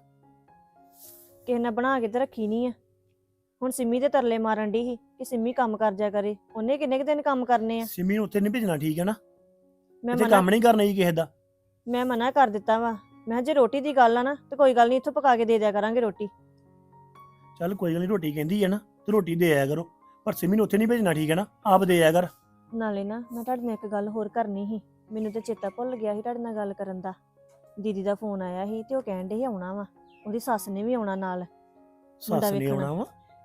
Speaker 1: ਕਿਸੇ ਨੇ ਬਣਾ ਕੇ ਤੇ ਰੱਖੀ ਨਹੀਂ ਆ। ਹੁਣ ਸਿੰਮੀ ਦੇ ਤਰਲੇ ਮਾਰਨ ਦੀ ਸੀ ਕਿ ਸਿੰਮੀ ਕੰਮ ਕਰ ਜਾ ਕਰੇ, ਉਹਨੇ ਕਿੰਨੇ ਕੁ ਦਿਨ ਕੰਮ ਕਰਨੇ ਆ।
Speaker 3: ਸਿਮੀ ਨੂੰ ਉੱਥੇ ਨਹੀਂ ਭੇਜਣਾ, ਠੀਕ ਹੈ ਨਾ?
Speaker 1: ਮੈਂ
Speaker 3: ਇੱਥੇ
Speaker 1: ਮਨਾ
Speaker 3: ਕੰਮ ਨਹੀਂ ਕਰਨਾ ਜੀ ਕਿਸੇ ਦਾ।
Speaker 1: ਮੈਂ ਮਨਾ ਕਰ ਦਿੱਤਾ ਵਾ। ਮੈਂ ਕਿਹਾ ਜੇ ਰੋਟੀ ਦੀ ਗੱਲ ਆ ਨਾ ਤੇ ਕੋਈ ਗੱਲ ਨਹੀਂ, ਇੱਥੋਂ ਪਕਾ ਕੇ ਦੇ ਦਿਆ ਕਰਾਂਗੇ ਰੋਟੀ।
Speaker 3: ਚੱਲ ਕੋਈ ਗੱਲ ਨਹੀਂ, ਰੋਟੀ ਕਹਿੰਦੀ ਹੈ ਨਾ ਤੇ ਰੋਟੀ ਦੇ ਆਇਆ ਕਰੋ, ਪਰ ਸਿਮੀ ਨੂੰ ਉੱਥੇ ਨਹੀਂ ਭੇਜਣਾ, ਠੀਕ ਹੈ ਨਾ? ਆਪ ਦੇ ਆਇਆ ਕਰ।
Speaker 1: ਨਾਲੇ ਨਾ ਮੈਂ ਤੁਹਾਡੇ ਨਾਲ ਇੱਕ ਗੱਲ ਹੋਰ ਕਰਨੀ ਸੀ, ਮੈਨੂੰ ਤੇ ਚੇਤਾ ਭੁੱਲ ਗਿਆ ਸੀ ਤੁਹਾਡੇ ਨਾਲ ਗੱਲ ਕਰਨ ਦਾ। ਦੀਦੀ ਦਾ ਫੋਨ ਆਇਆ ਸੀ ਤੇ ਉਹ ਕਹਿਣ ਡੇ ਸੀ ਆਉਣਾ ਵਾ, ਉਹਦੀ ਸੱਸ ਨੇ ਵੀ ਆਉਣਾ ਨਾਲ। ਮੁੰਡਾ
Speaker 3: ਸੱਸ ਨੇ
Speaker 1: ਵੇਖਣਾ।
Speaker 3: ਆਉਣਾ ਵਾ?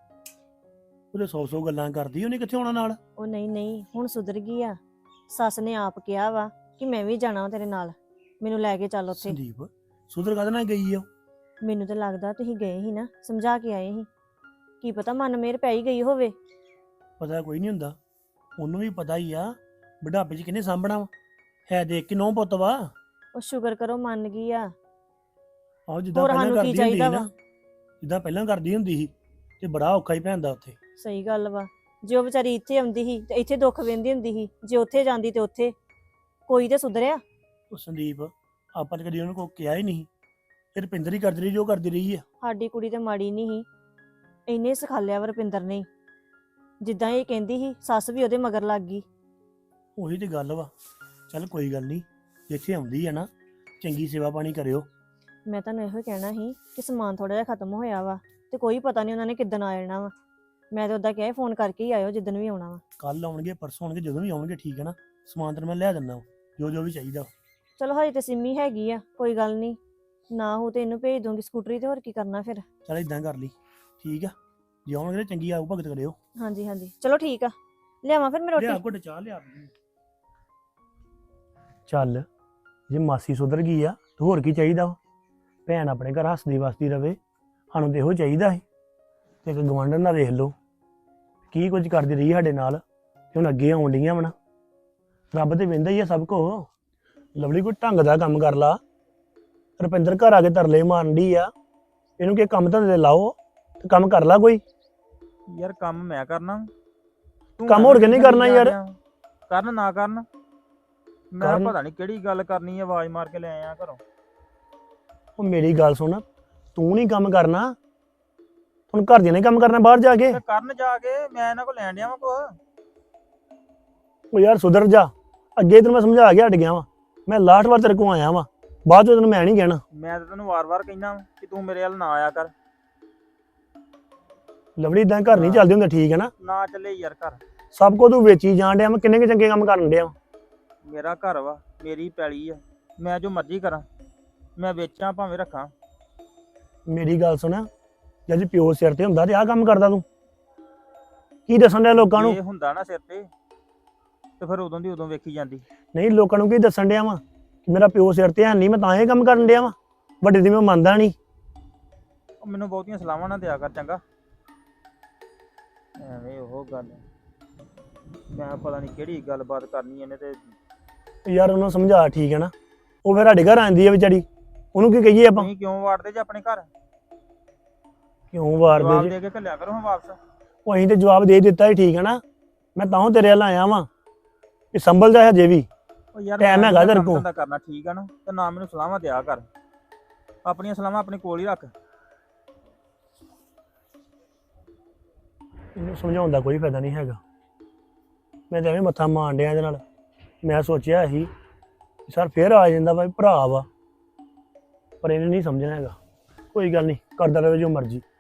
Speaker 3: ਉਹਦੇ ਸੌ ਸੌ ਗੱਲਾਂ ਕਰਦੀ, ਉਹਨੇ ਕਿੱਥੇ ਆਉਣਾ ਨਾਲ?
Speaker 1: ਉਹ ਨਹੀਂ ਨਹੀਂ, ਹੁਣ ਸੁਧਰ ਗਈ ਆ। ਸੱਸ ਨੇ ਆਪ ਕਿਹਾ ਵਾ ਕਿ ਮੈਂ ਵੀ ਜਾਣਾ ਤੇਰੇ ਨਾਲ, ਮੈਨੂੰ ਲੈ ਕੇ ਚੱਲ ਉੱਥੇ।
Speaker 3: ਸੰਦੀਪ ਸੁਧਰ ਕਾਹਦੇ ਨਾਲ ਗਈ ਆ?
Speaker 1: ਮੈਨੂੰ ਤਾਂ ਲੱਗਦਾ ਤੁਸੀਂ ਗਏ ਸੀ ਨਾ, ਸਮਝਾ ਕੇ ਆਏ ਸੀ। ਕੀ ਪਤਾ ਮਨ ਮੇਰ ਪੈ ਹੀ ਗਈ ਹੋਵੇ।
Speaker 3: ਪਤਾ ਕੋਈ ਨਹੀਂ ਹੁੰਦਾ, ਉਹਨੂੰ ਵੀ ਪਤਾ ਹੀ ਆ ਬੁਢਾਪੇ 'ਚ ਕਿਹਨੇ ਸਾਂਭਣਾ ਵਾ, ਹੈ ਦੇਖ ਕੇ ਨੌ ਪੁੱਤ ਵਾ।
Speaker 1: ਉਹ ਸ਼ੁਕਰ ਕਰੋ ਮੰਨ ਗਈ ਆ।
Speaker 3: ਆਹ ਜਿੱਦਾਂ
Speaker 1: ਹੋਰ
Speaker 3: ਪਹਿਲਾਂ
Speaker 1: ਸਾਨੂੰ ਕੀ
Speaker 3: ਕਰਦੀ ਹੁੰਦੀ ਸੀ
Speaker 1: ਚਾਹੀਦਾ
Speaker 3: ਨਾ,
Speaker 1: ਵਾ?
Speaker 3: ਜਿੱਦਾਂ ਪਹਿਲਾਂ ਕਰਦੀ ਹੁੰਦੀ ਸੀ ਤੇ ਬੜਾ ਔਖਾ ਹੀ ਪੈਂਦਾ ਉੱਥੇ।
Speaker 1: ਸਹੀ ਗੱਲ ਵਾ। ਜੇ ਉਹ ਵਿਚਾਰੀ ਇੱਥੇ ਆਉਂਦੀ ਸੀ ਤੇ ਇੱਥੇ ਦੁੱਖ ਵਹਿੰਦੀ ਹੁੰਦੀ ਸੀ, ਜੇ ਉੱਥੇ ਜਾਂਦੀ ਤੇ ਉੱਥੇ ਕੋਈ ਤੇ ਸੁਧਰਿਆ।
Speaker 3: ਉਹ ਸੰਦੀਪ ਆਪਾਂ ਤਾਂ ਕਦੀ ਉਹਨੂੰ ਕੋਈ ਕਿਹਾ ਹੀ ਨਹੀਂ, ਫਿਰ ਰੁਪਿੰਦਰ ਹੀ ਕਰਦੀ ਰਹੀ ਜੋ ਕਰਦੀ ਰਹੀ ਆ।
Speaker 1: ਸਾਡੀ ਕੁੜੀ ਤੇ ਮਾੜੀ ਨਹੀਂ ਸੀ, ਇੰਨੇ ਸਿਖਾਲਿਆ ਵਾ ਰੁਪਿੰਦਰ ਨੇ। ਜਿੱਦਾਂ ਇਹ ਕਹਿੰਦੀ ਸੀ ਸੱਸ ਵੀ ਉਹਦੇ ਮਗਰ ਲੱਗ ਗਈ।
Speaker 3: ਉਹੀ ਤੇ ਗੱਲ ਵਾ। ਚੱਲ ਕੋਈ ਗੱਲ ਨਹੀਂ, ਜਿੱਥੇ ਆਉਂਦੀ ਆ ਨਾ ਚੰਗੀ ਸੇਵਾ ਪਾਣੀ ਕਰਿਓ।
Speaker 1: ਮੈਂ ਤੁਹਾਨੂੰ ਇਹੋ ਕਹਿਣਾ ਸੀ ਕਿ ਸਮਾਨ ਥੋੜਾ ਜਿਹਾ ਖਤਮ ਹੋਇਆ ਵਾ ਤੇ ਕੋਈ ਪਤਾ ਨਹੀਂ ਉਹਨਾਂ ਨੇ ਕਿੱਦਣ ਆ ਜਾਣਾ ਵਾ। ਮੈਂ ਤਾਂ ਉਦਾਂ ਕਿਹਾ ਫੋਨ ਕਰਕੇ ਹੀ ਆਇਓ ਜਿੱਦਣ ਵੀ ਆਉਣਾ ਵਾ।
Speaker 3: ਕੱਲ ਆਉਣਗੇ ਪਰਸੋਂ ਆਉਣਗੇ, ਜਦੋਂ ਵੀ ਆਉਣਗੇ, ਠੀਕ ਹੈ ਨਾ? ਸਮਾਨ ਤਾਂ ਮੈਂ ਲਿਆ ਦਿੰਦਾ ਜੋ ਜੋ ਵੀ ਚਾਹੀਦਾ।
Speaker 1: ਚਲੋ ਹਜੇ ਤੇ ਸਿੰਮੀ ਹੈਗੀ ਆ, ਕੋਈ ਗੱਲ ਨਹੀਂ, ਨਾ ਹੋ ਤੇ ਇਹਨੂੰ ਭੇਜ ਦੂੰਗੀ ਸਕੂਟਰੀ ਤੇ, ਹੋਰ ਕੀ ਕਰਨਾ ਫਿਰ।
Speaker 3: ਚੱਲ ਇਦਾਂ ਕਰ ਲਈ, ਠੀਕ ਆ? ਜੇ ਆਉਣਗੇ ਤਾਂ ਚੰਗੀ ਆਊ ਭਗਤ ਕਰਿਓ।
Speaker 1: ਹਾਂਜੀ ਹਾਂਜੀ ਚਲੋ ਠੀਕ ਆ, ਲਿਆਵਾਂ ਫਿਰ ਮੈਂ
Speaker 3: ਲਿਆ
Speaker 1: ਰੋਟੀ।
Speaker 3: ਘੁੱਟ ਚਾਹ ਲਿਆ। ਚੱਲ ਜੇ ਮਾਸੀ ਸੁਧਰ ਗਈ ਆ ਤੇ ਹੋਰ ਕੀ ਚਾਹੀਦਾ ਵਾ? ਭੈਣ ਆਪਣੇ ਘਰ ਹੱਸਦੀ ਵਸਦੀ ਰਵੇ, ਸਾਨੂੰ ਤੇ ਇਹੋ ਚਾਹੀਦਾ ਸੀ। ਤੇ ਇੱਕ ਗਵਾਂਢਣ ਦਾ ਵੇਖ ਲਓ ਕੀ ਕੁਝ ਕਰਦੀ ਰਹੀ ਸਾਡੇ ਨਾਲ, ਤੇ ਹੁਣ ਅੱਗੇ ਆਉਣ ਡੀਆਂ ਵਣਾ। ਰੱਬ ਤੇ ਵਹਿੰਦਾ ਹੀ ਆ ਸਭ ਕੋ। ਲਵਲੀ ਕੋਈ ਢੰਗ ਦਾ ਕੰਮ ਕਰ ਲਾ। ਰੁਪਿੰਦਰ ਘਰ ਆ ਕੇ ਤਰਲੇ ਮਾਰਨ ਡਈ ਆ, ਇਹਨੂੰ ਕਿ ਕੰਮ ਧੰਦੇ ਲਾਓ ਤੇ ਕੰਮ ਕਰ ਲਾ ਕੋਈ।
Speaker 5: ਯਾਰ ਕੰਮ ਮੈਂ ਕਰਨਾ, ਤੂੰ
Speaker 3: ਕੰਮ ਹੋਰ ਕਿਹਨੇ ਕਰਨਾ ਯਾਰ?
Speaker 5: ਕਰਨ ਨਾ ਕਰਨ, ਮੈਂ
Speaker 3: ਕਰਨ।
Speaker 5: ਪਤਾ ਨਹੀਂ ਕਿਹੜੀ ਗੱਲ ਕਰਨੀ ਆ, ਆਵਾਜ਼ ਮਾਰ ਕੇ ਲੈ ਆਇਆ ਘਰੋਂ।
Speaker 3: ਉਹ ਮੇਰੀ ਗੱਲ ਸੁਣ, ਤੂੰ ਨਹੀਂ ਕੰਮ ਕਰਨਾ, ਹੁਣ ਘਰ ਦੀਆਂ ਨੇ ਕੰਮ ਕਰਨਾ ਬਾਹਰ ਜਾ ਕੇ।
Speaker 5: ਤੇ ਕਰਨ ਜਾ ਕੇ ਮੈਂ ਇਹਨਾਂ ਕੋਲ ਲੈਣ ਡਿਆ ਵਾਂ ਕੁਛ।
Speaker 3: ਉਹ ਯਾਰ ਸੁਧਰ ਜਾ, ਅੱਗੇ ਤੈਨੂੰ ਮੈਂ ਸਮਝਾ ਕੇ ਹਟ ਗਿਆ ਵਾਂ। ਮੈਂ ਲਾਸਟ ਵਾਰ ਤੇਰੇ ਕੋਲ ਆਇਆ ਵਾਂ, ਬਾਅਦ ਚ ਤੈਨੂੰ ਮੈਂ ਨਹੀਂ ਕਹਿਣਾ।
Speaker 5: ਮੈਂ ਤਾਂ ਤੈਨੂੰ ਵਾਰ-ਵਾਰ ਕਹਿਣਾ ਕਿ ਤੂੰ ਮੇਰੇ ਵੱਲ ਨਾ ਆਇਆ ਕਰ।
Speaker 3: ਲਵਲੀ ਇਦਾਂ ਘਰ ਨਹੀਂ ਚੱਲਦੇ ਹੁੰਦੇ, ਠੀਕ ਹੈ ਨਾ?
Speaker 5: ਨਾ ਚੱਲੇ ਯਾਰ ਘਰ।
Speaker 3: ਸਭ ਕੁਝ ਤੂੰ ਵੇਚੀ ਜਾਣ ਡਿਆ, ਮੈਂ ਕਿੰਨੇ ਕੁ ਚੰਗੇ ਕੰਮ ਕਰਨ ਡਿਆ ਵਾਂ।
Speaker 5: ਮੇਰਾ ਘਰ ਵਾ, ਮੇਰੀ ਪੈਲੀ ਆ, ਮੈਂ ਜੋ ਮਰਜ਼ੀ ਕਰਾਂ, ਮੈਂ ਵੇਚਾਂ ਭਾਵੇਂ ਰੱਖਾਂ।
Speaker 3: ਮੇਰੀ ਗੱਲ ਸੁਣ, ਜੇ ਪਿਓ ਸਿਰ ਤੇ ਹੁੰਦਾ ਤੇ ਆਹ ਕੰਮ ਕਰਦਾ ਤੂੰ? ਕੀ ਦੱਸਣ ਡਿਆ ਲੋਕਾਂ ਨੂੰ?
Speaker 5: ਇਹ ਹੁੰਦਾ ਨਾ ਸਿਰ ਤੇ, ਤੇ ਫਿਰ ਉਦੋਂ ਦੀ ਉਦੋਂ ਵੇਖੀ ਜਾਂਦੀ।
Speaker 3: ਨਹੀਂ, ਲੋਕਾਂ ਨੂੰ ਕੀ ਦੱਸਣ ਡਿਆ ਵਾਂ ਕਿ ਮੇਰਾ ਪਿਓ ਸਿਰ ਤੇ ਹੈ ਨਹੀਂ, ਮੈਂ ਤਾਂ ਇਹ ਕੰਮ ਕਰਨ ਡਿਆ ਵਾਂ? ਵੱਡੇ ਦੀ ਮੈਂ ਮੰਨਦਾ ਨਹੀਂ।
Speaker 5: ਉਹ ਮੈਨੂੰ ਬਹੁਤੀਆਂ ਸਲਾਹਾਂ ਨਾ ਦਿਆ ਕਰ ਚੰਗਾ। ਐਵੇਂ ਉਹ ਗੱਲ, ਮੈਂ ਪਤਾ ਨਹੀਂ ਕਿਹੜੀ ਗੱਲਬਾਤ ਕਰਨੀ ਇਹਨੇ ਤੇ।
Speaker 3: ਯਾਰ ਉਹਨੂੰ ਸਮਝਾ, ਠੀਕ ਹੈ ਨਾ? ਉਹ ਫਿਰ ਸਾਡੇ ਘਰ ਆਂਦੀ ਆ ਵਿਚਾਰੀ, ਉਹਨੂੰ ਕੀ ਕਹੀਏ ਆਪਾਂ?
Speaker 5: ਤੁਸੀਂ ਕਿਉਂ ਵਾੜਦੇ ਜੇ ਆਪਣੇ ਘਰ?
Speaker 3: ਕਿਉਂ ਵਾਰ
Speaker 5: ਜਵਾਬ
Speaker 3: ਦੇ?
Speaker 5: ਦੇ ਕੇ ਘੱਲਿਆ ਕਰੋ ਹੁਣ ਵਾਪਸ।
Speaker 3: ਉਹ ਅਸੀਂ ਤੇ ਜਵਾਬ ਦੇ ਦਿੱਤਾ ਹੀ, ਠੀਕ ਹੈ ਨਾ? ਮੈਂ ਤਾਂ ਤੇਰੇ ਵੱਲ ਆਇਆ ਵਾਂ ਕਿ ਸੰਭਲ ਜਾ ਹਜੇ ਵੀ।
Speaker 5: ਉਹ ਯਾਰ
Speaker 3: ਟਾਈਮ
Speaker 5: ਮੈਂ
Speaker 3: ਹੈਗਾ
Speaker 5: ਨੀ
Speaker 3: ਤੇਰੇ
Speaker 5: ਕੰਮ
Speaker 3: ਕੋਲ।
Speaker 5: ਧੰਦਾ ਕਰਨਾ, ਠੀਕ ਆ ਨਾ? ਤੇ ਨਾ ਮੈਨੂੰ ਸਲਾਹਾਂ ਦਿਆ ਕਰ, ਆਪਣੀਆਂ ਸਲਾਹਾਂ ਆਪਣੇ ਕੋਲ ਹੀ ਰੱਖ।
Speaker 3: ਇਹਨੂੰ ਸਮਝਾਉਣ ਦਾ ਕੋਈ ਫਾਇਦਾ ਨਹੀਂ ਹੈਗਾ। ਮੈਂ ਤਾਂ ਐਵੇਂ ਮੱਥਾ ਮਾਰਨ ਡਿਆ ਇਹਦੇ ਨਾਲ। ਮੈਂ ਸੋਚਿਆ ਸੀ ਸਰ ਫੇਰ ਆ ਜਾਂਦਾ ਭਾਈ, ਭਰਾ ਵਾ, ਪਰ ਇਹਨੇ ਨਹੀਂ ਸਮਝਣਾ ਹੈਗਾ। ਕੋਈ ਗੱਲ ਨਹੀਂ, ਕਰਦਾ ਰਹੇ ਜੋ ਮਰਜ਼ੀ।